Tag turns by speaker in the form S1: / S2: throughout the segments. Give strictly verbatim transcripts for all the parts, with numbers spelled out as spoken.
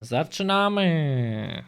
S1: Zaczynamy.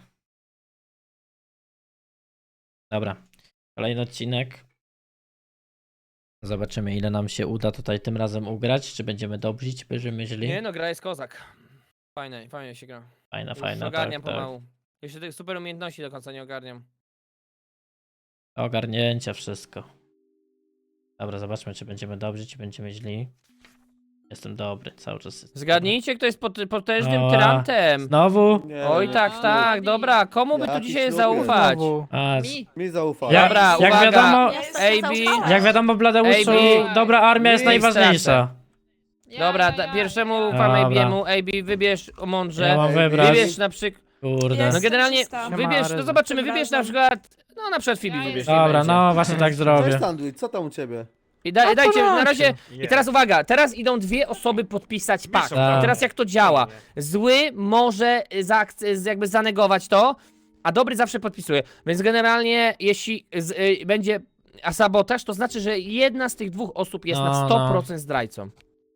S1: Dobra, kolejny odcinek. Zobaczymy, ile nam się uda tutaj tym razem ugrać. Czy będziemy dobrzy, czy będziemy źli?
S2: Nie no, gra jest kozak. Fajne, fajnie się gra.
S1: Fajna,
S2: Już
S1: fajna,
S2: ogarniam
S1: tak, tak.
S2: pomału. Jeszcze tych super umiejętności do końca nie ogarniam.
S1: Ogarnięcia wszystko. Dobra, zobaczmy, czy będziemy dobrzy, czy będziemy źli. Jestem dobry, cały czas. jestem
S2: Zgadnijcie, kto jest pot potężnym
S1: O,
S2: tyrantem.
S1: dobry. Znowu?
S3: Nie,
S2: Oj
S3: no,
S2: tak,
S3: ślub.
S2: tak, dobra, komu by tu
S3: Jaki
S2: dzisiaj
S3: ślub
S2: zaufać?
S1: A, z...
S4: Mi.
S3: Mi zaufaj.
S1: Ja-
S2: Dobra,
S1: jak
S2: uwaga.
S1: wiadomo,
S2: A B.
S1: Jak wiadomo, Bladeuszu,
S2: A B.
S1: dobra armia jest
S2: Nie
S1: najważniejsza.
S2: Dobra, da, pierwszemu ufam
S1: Dobra.
S2: A B'emu, A B wybierz o mądrze.
S1: Ja mam
S3: Ej,
S1: wybrać.
S2: Wybierz na przykład,
S1: Kurde.
S4: Jest.
S2: no generalnie
S4: czysta.
S2: wybierz, no zobaczymy, wybierz na przykład, no na przykład Phoebe
S4: Ja
S2: wybierz.
S4: jestem.
S2: niech
S1: Dobra,
S2: będzie.
S1: no właśnie tak
S3: Cześć
S1: zrobię.
S3: Sandwich, co tam u ciebie?
S2: I da, dajcie, na razie,
S5: Nie.
S2: i teraz uwaga, teraz idą dwie osoby podpisać pakt.
S1: Tak.
S2: I teraz jak to działa? Zły może zaak- z- jakby zanegować to, a dobry zawsze podpisuje. Więc generalnie jeśli z, y, będzie a sabotaż, to znaczy, że jedna z tych dwóch osób jest
S1: No,
S2: na sto procent zdrajcą.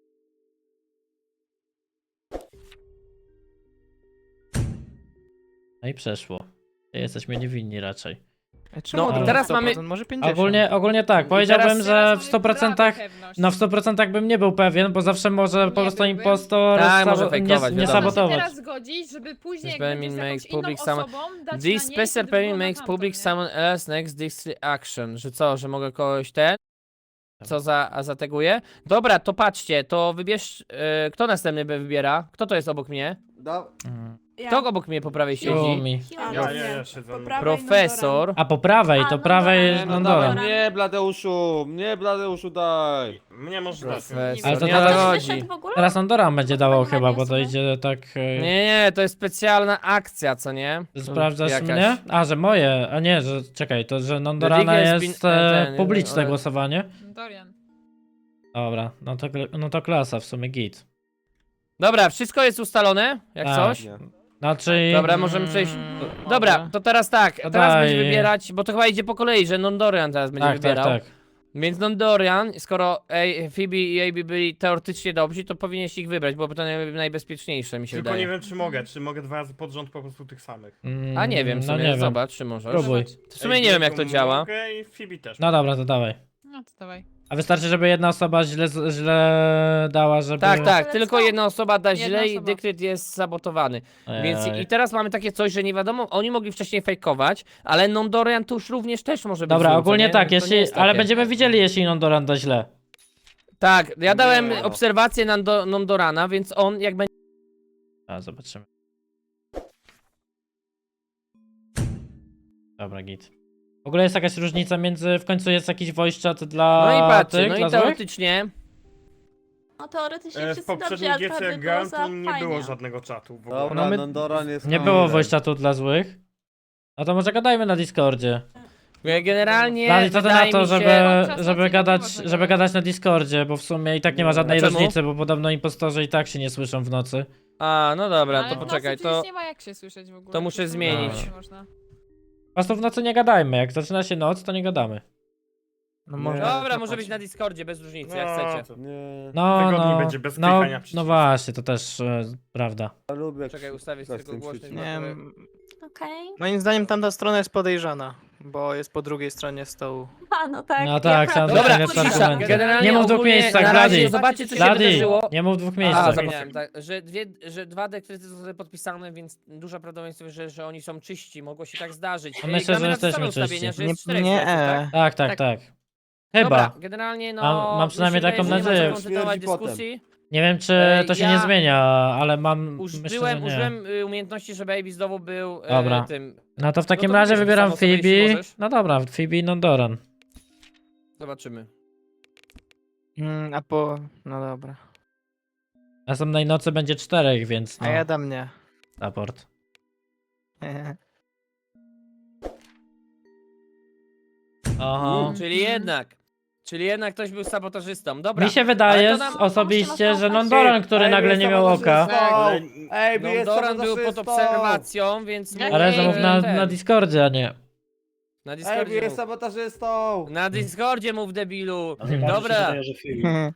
S1: No i przeszło. Jesteśmy niewinni raczej.
S2: No,
S1: Ale-
S2: teraz mamy...
S5: Może pięćdziesiąt.
S1: Ogólnie, ogólnie tak, powiedziałbym,
S2: teraz-
S1: że w sto procentach, no w sto procentach bym nie był pewien, bo zawsze może po
S4: Nie
S1: prostu
S4: byłbym.
S1: impostor
S2: Tak,
S1: sabo-
S2: może
S1: nie,
S2: fejkować,
S1: nie
S2: wiadomo.
S1: sabotować.
S4: teraz zgodzić, żeby później jak
S2: Permit
S4: będziesz z jakąś
S2: makes
S4: inną
S2: public summon-
S4: osobą dać
S2: This
S4: na niej,
S2: special
S4: wtedy
S2: permit
S4: było na
S2: makes
S4: tamtą,
S2: public
S4: nie?
S2: someone else next this action. Że co, że mogę kogoś ten? Co za, a zateguję? Dobra, to patrzcie, to wybierz, y, kto następny by wybiera? Kto to jest obok mnie?
S3: Da...
S1: Mhm.
S4: Ja.
S2: Kto obok mnie po prawej siedzi?
S1: Yumi.
S4: A,
S5: Ja,
S4: no
S5: ja,
S4: nie.
S5: ja siedzę.
S4: Po prawej
S2: Profesor.
S1: A po prawej,
S4: A,
S1: to
S4: no
S1: prawej
S4: dobra.
S3: No
S1: Nondora.
S4: dobra.
S3: Nie, Bladeuszu, nie Bladeuszu daj.
S5: Mnie może dać.
S2: Profesor.
S1: Ale to
S2: Nie
S1: teraz-
S2: o to
S4: Ktoś
S2: chodzi.
S4: wyszedł w ogóle?
S1: Teraz Nondora będzie dało
S4: Pani
S1: chyba,
S4: Maria
S1: bo to
S4: sobie?
S1: idzie tak... e,
S2: Nie, nie, to jest specjalna akcja, co nie?
S1: Sprawdzasz
S2: Jakaś.
S1: mnie? A, że moje, a nie, że czekaj, to że Nondorana
S2: The League has
S1: jest
S2: been-
S1: e,
S2: ten,
S1: publiczne
S2: ale-
S1: głosowanie.
S4: Dorian.
S1: Dobra, no to, no to klasa, w sumie git.
S2: Dobra, wszystko jest ustalone, jak
S1: Tak.
S2: coś?
S3: Nie.
S1: Znaczy...
S2: Dobra, możemy przejść.
S1: mm,
S2: Dobra, to teraz tak,
S1: To
S2: teraz
S1: daj.
S2: będzie wybierać, bo to chyba idzie po kolei, że Nondorian teraz będzie
S1: Tak, tak,
S2: wybierał.
S1: tak.
S2: Więc Nondorian, skoro A, Phoebe i A B byli teoretycznie dobrzy, to powinieneś ich wybrać, byłoby to naj, najbezpieczniejsze, mi się
S5: Tylko
S2: wydaje.
S5: nie wiem, czy mogę. Czy mogę dwa razy pod rząd po prostu tych samych.
S1: Mm,
S2: A nie wiem, w
S1: no
S2: sumie,
S1: nie wiem.
S2: zobacz, czy możesz.
S1: Próbuj.
S2: W sumie nie wiem, jak to działa.
S5: Mogę i Phoebe też.
S1: No dobra, to dawaj.
S4: No to dawaj.
S1: A wystarczy, żeby jedna osoba źle, źle dała, żeby...
S2: Tak, tak,
S4: Ale
S2: tylko
S4: co?
S2: jedna osoba da
S4: Jedna
S2: źle i
S4: osoba.
S2: dekret jest sabotowany.
S1: Ej.
S2: Więc i teraz mamy takie coś, że nie wiadomo, oni mogli wcześniej fejkować, ale Nondorian to już również też może być
S1: Dobra,
S2: złym, co
S1: ogólnie
S2: nie?
S1: tak,
S2: To nie
S1: jeśli,
S2: jest
S1: ale
S2: takie.
S1: będziemy widzieli, jeśli Nondoran da źle.
S2: Tak, ja dałem
S3: Nie.
S2: obserwację Nando, Nondorana, więc on jak będzie...
S1: A, zobaczymy. Dobra, git. W ogóle jest jakaś różnica między, w końcu jest jakiś voice chat dla
S2: No i patrzcie,
S1: tych,
S2: no
S1: dla
S2: i
S1: złych?
S2: teoretycznie...
S4: No teoretycznie
S5: E, w
S4: wszyscy dobrze,
S5: poprzedniej
S4: a
S5: G C
S4: prawdę
S5: jak
S4: było
S5: grałem,
S4: za
S5: to nie
S4: fajnie.
S5: było żadnego czatu w ogóle.
S3: Dobra,
S1: No my-
S3: Nondoran jest
S1: Nie było
S3: hamilem.
S1: voice chatu dla złych? No to może gadajmy na Discordzie.
S2: Generalnie
S1: Dali co ty na
S2: wydaje
S1: to,
S2: mi się...
S1: żeby,
S4: Podczas
S1: żeby,
S4: nocy
S1: gadać,
S4: nie było
S1: żeby
S4: tego.
S1: gadać na Discordzie, bo w sumie i tak nie ma żadnej
S2: A czemu?
S1: różnicy, bo podobno impostorzy i tak się nie słyszą w nocy.
S2: A, no dobra,
S4: Ale
S2: to
S4: w nocy
S2: poczekaj,
S4: przecież
S2: to...
S4: nie ma jak się słyszeć w ogóle.
S2: to muszę
S4: przecież
S2: zmienić.
S4: nie można.
S1: Po prostu w nocy nie gadajmy, jak zaczyna się noc, to nie gadamy.
S5: No
S3: może-
S2: Dobra, może być na Discordzie, bez różnicy, jak chcecie.
S5: to-
S3: Nie,
S1: No,
S5: Wygodniej
S1: no,
S5: będzie bez
S1: no,
S5: klikania
S1: no
S5: przycisku.
S1: właśnie, to też e, prawda.
S3: ja lubię.
S2: Czekaj, ustawię
S3: Coś
S2: tylko
S3: tym
S2: głośność.
S3: przyciskiem.
S2: bo
S6: Nie,
S2: to-
S6: m,
S4: Okej.
S6: moim zdaniem tamta strona jest podejrzana, bo jest po drugiej stronie stołu.
S4: A, no tak.
S1: No tak, sam
S2: Dobra,
S1: najlepszy
S2: cisza.
S1: argument.
S2: Generalnie
S1: Nie mów w dwóch
S2: ogólnie
S1: miejscach,
S2: na razie
S1: Blady.
S2: zobaczcie, co się
S1: Blady,
S2: wydarzyło.
S1: nie mów w dwóch
S2: A,
S1: miejscach.
S2: zapomniałem, tak, że, dwie, że dwa dekrety zostały podpisane, więc duża prawdopodobieństwo, że, że oni są czyści. Mogło się tak zdarzyć.
S1: A
S2: Ej,
S1: myślę,
S2: gramy
S1: że
S2: na stałe
S1: jesteśmy
S2: ustawienia,
S1: czyści.
S2: że jest
S6: Nie-
S2: czterech
S6: nie,
S2: dekretów, tak?
S1: Tak, tak, tak.
S2: Dobra,
S1: Chyba.
S2: generalnie no...
S1: Mam- mam przynajmniej
S2: mi się
S1: taką
S2: wydaje, że nie ma
S1: nadzieję.
S2: co kontynuować
S3: Śmierdzi potem.
S2: dyskusji.
S1: Nie wiem, czy
S2: Ej,
S1: to się
S2: ja
S1: nie zmienia, ale mam. Myślę, że
S2: Użyłem,
S1: nie.
S2: użyłem y, umiejętności, żeby Avis znowu był e,
S1: Dobra.
S2: tym...
S1: No to w takim
S2: to
S1: razie
S2: wybierz
S1: wybieram
S2: samo sobie, jeśli
S1: Phoebe.
S2: możesz.
S1: No dobra, Phoebe i Nondoran.
S2: Zobaczymy.
S6: Mm, a po... no dobra.
S1: Następnej nocy będzie czterech, więc
S6: A
S1: no.
S6: ja dam nie.
S1: Raport. Oho.
S2: Czyli jednak. Czyli jednak ktoś był sabotażystą. Dobra.
S1: Mi się
S2: ale
S1: wydaje
S2: to nam-
S1: osobiście, że
S4: Ty,
S1: Nondoran, który
S3: Ej,
S1: nagle
S3: jest
S1: nie miał oka.
S3: sabotażystą.
S5: Ale-
S3: Ej, jest
S2: Nondoran był pod
S3: sabotażystą.
S2: obserwacją, więc...
S4: Ale
S1: Ale
S2: mógł,
S1: zamów
S2: e,
S1: na,
S2: ten,
S1: na Discordzie, a nie.
S2: Na
S3: Ej,
S2: Discordzie
S3: jest
S2: mów.
S3: sabotażystą.
S2: Na Discordzie mów, debilu.
S7: Ale bardziej
S2: Dobra.
S7: się wydaje, że Phoebe.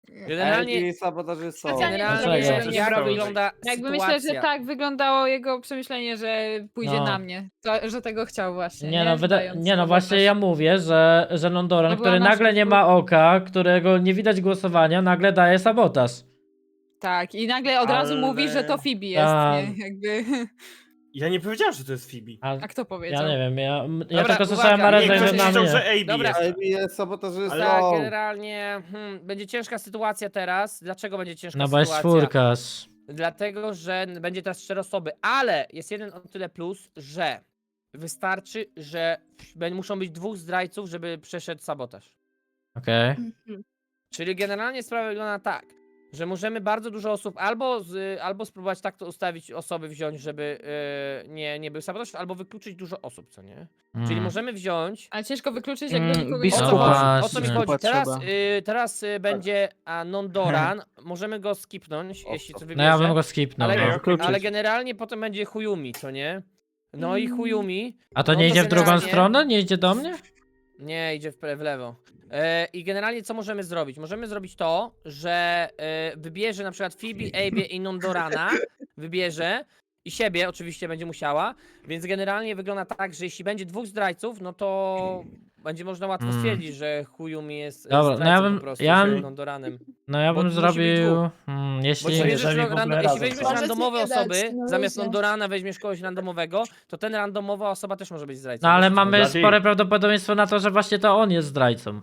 S2: Generalnie,
S3: Ej, sabotażysta.
S4: Specjalnie
S2: generalnie
S1: Dlaczego?
S2: jak, jak
S5: Dlaczego?
S2: wygląda
S4: Jakby
S2: sytuacja.
S4: myślę, że tak wyglądało jego przemyślenie, że pójdzie
S1: No.
S4: na mnie. To, że tego chciał właśnie.
S1: Nie
S4: Nie,
S1: no, wyda-
S4: Wydając
S1: nie no,
S4: sabotaż.
S1: właśnie ja mówię, że, że Nondoran,
S4: To była
S1: który
S4: nasza
S1: nagle nie ma
S4: czwórka.
S1: oka, którego nie widać głosowania, nagle daje sabotaż.
S4: Tak, i nagle od razu
S5: Ale-
S4: mówi, że to Phoebe jest,
S1: Tak.
S4: nie? Jakby...
S5: Ja nie powiedziałem, że to jest Phoebe.
S1: A,
S4: A kto powiedział?
S1: ja nie wiem, ja, m- ja
S2: Dobra,
S1: tylko
S2: uwaga,
S1: słyszałem
S2: nie,
S1: Areza
S5: Nie,
S1: i
S2: ktoś
S5: ktoś
S1: na
S5: myślał,
S1: mnie.
S5: że A B
S2: Dobra.
S5: jest.
S3: Ej, jest sabotażystą.
S2: Tak, generalnie hmm, będzie ciężka sytuacja teraz. Dlaczego będzie ciężka
S1: No bo jest
S2: sytuacja?
S1: czwórkarz.
S2: Dlatego, że będzie teraz cztery osoby, ale jest jeden o tyle plus, że wystarczy, że b- muszą być dwóch zdrajców, żeby przeszedł sabotaż.
S1: Okej.
S4: Mhm.
S2: Czyli generalnie sprawa wygląda tak, że możemy bardzo dużo osób albo, z, albo spróbować tak to ustawić, osoby wziąć, żeby e, nie, nie był sabotaż, albo wykluczyć dużo osób, co nie? Czyli
S1: Mm.
S2: możemy wziąć.
S4: Ale ciężko wykluczyć, jakby
S6: Mm,
S4: nikogo
S2: O
S6: biskupa.
S2: co
S4: nie
S2: chodzi?
S1: No
S2: O co mi
S1: właśnie.
S2: chodzi? Teraz,
S6: Trzeba.
S2: y, teraz y, będzie a, non-Doran, możemy go skipnąć, jeśli co
S1: No
S2: wybierze.
S1: ja bym go skipnął.
S2: Ale,
S1: no.
S5: okej.
S6: Wykluczyć.
S2: ale generalnie potem będzie Huyumi, co nie? No i
S4: Mm.
S2: Huyumi.
S1: A to
S2: no
S1: nie
S2: to
S1: idzie w drugą
S2: generalnie-
S1: stronę? Nie idzie do mnie?
S2: Nie, idzie w, pre- w lewo. E, I generalnie co możemy zrobić? Możemy zrobić to, że e, wybierze na przykład Phoebe, Abie i Nondorana, wybierze i siebie oczywiście będzie musiała, więc generalnie wygląda tak, że jeśli będzie dwóch zdrajców, no to będzie można łatwo
S1: Mm.
S2: stwierdzić, że Huyumi jest e,
S1: Dobra, no ja
S2: zdrajcą
S1: bym-
S2: po prostu,
S1: ja
S2: z
S1: bym-
S2: Nondoranem.
S1: No ja
S2: Bo
S1: bym
S2: musi być
S1: zrobił...
S2: dwóch.
S1: Hmm,
S2: Bo
S1: jeśli...
S2: jeśli, bierzesz
S7: jeżeli
S2: ro-
S7: w ogóle
S2: rando, jeśli
S7: razem
S2: weźmiesz
S7: są.
S4: Możecie
S2: randomowe
S4: nie dać,
S2: osoby,
S4: no
S2: zamiast
S4: ludzie.
S2: Nondorana weźmiesz kogoś randomowego, to ten randomowa osoba też może być zdrajcą.
S1: No ale
S2: wiesz?
S1: mamy
S5: Blady.
S1: spore prawdopodobieństwo na to, że właśnie to on jest zdrajcą.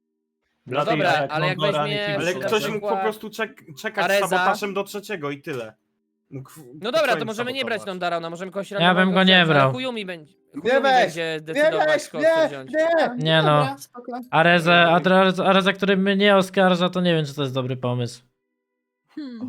S2: No dobra, ale jak
S7: Nondoran i
S2: weźmiesz-
S7: Phoebe
S5: Ale
S7: są
S2: na
S5: ktoś
S7: tacy-
S5: mógł po
S2: przykład
S5: prostu czek czekać
S2: Areza.
S5: z sabotażem do trzeciego i tyle. Mógł w-
S2: No dobra, to
S5: spokojnie
S2: możemy nie brać
S5: sabotować.
S2: Nondorana, możemy kogoś
S1: Ja bym
S2: randomowego
S1: go nie
S2: wziąć, ale
S1: brał.
S2: Huyumi będzie,
S3: Nie
S2: Huyumi
S3: weź,
S2: będzie
S3: Nie
S2: decydować,
S3: weź,
S2: kogo chce
S3: nie,
S2: wziąć.
S3: nie!
S1: Nie no.
S4: Dobra, spoko.
S1: Arezę, Arezę, Arezę, który mnie oskarża, to nie wiem, czy to jest dobry pomysł.
S4: Hmm.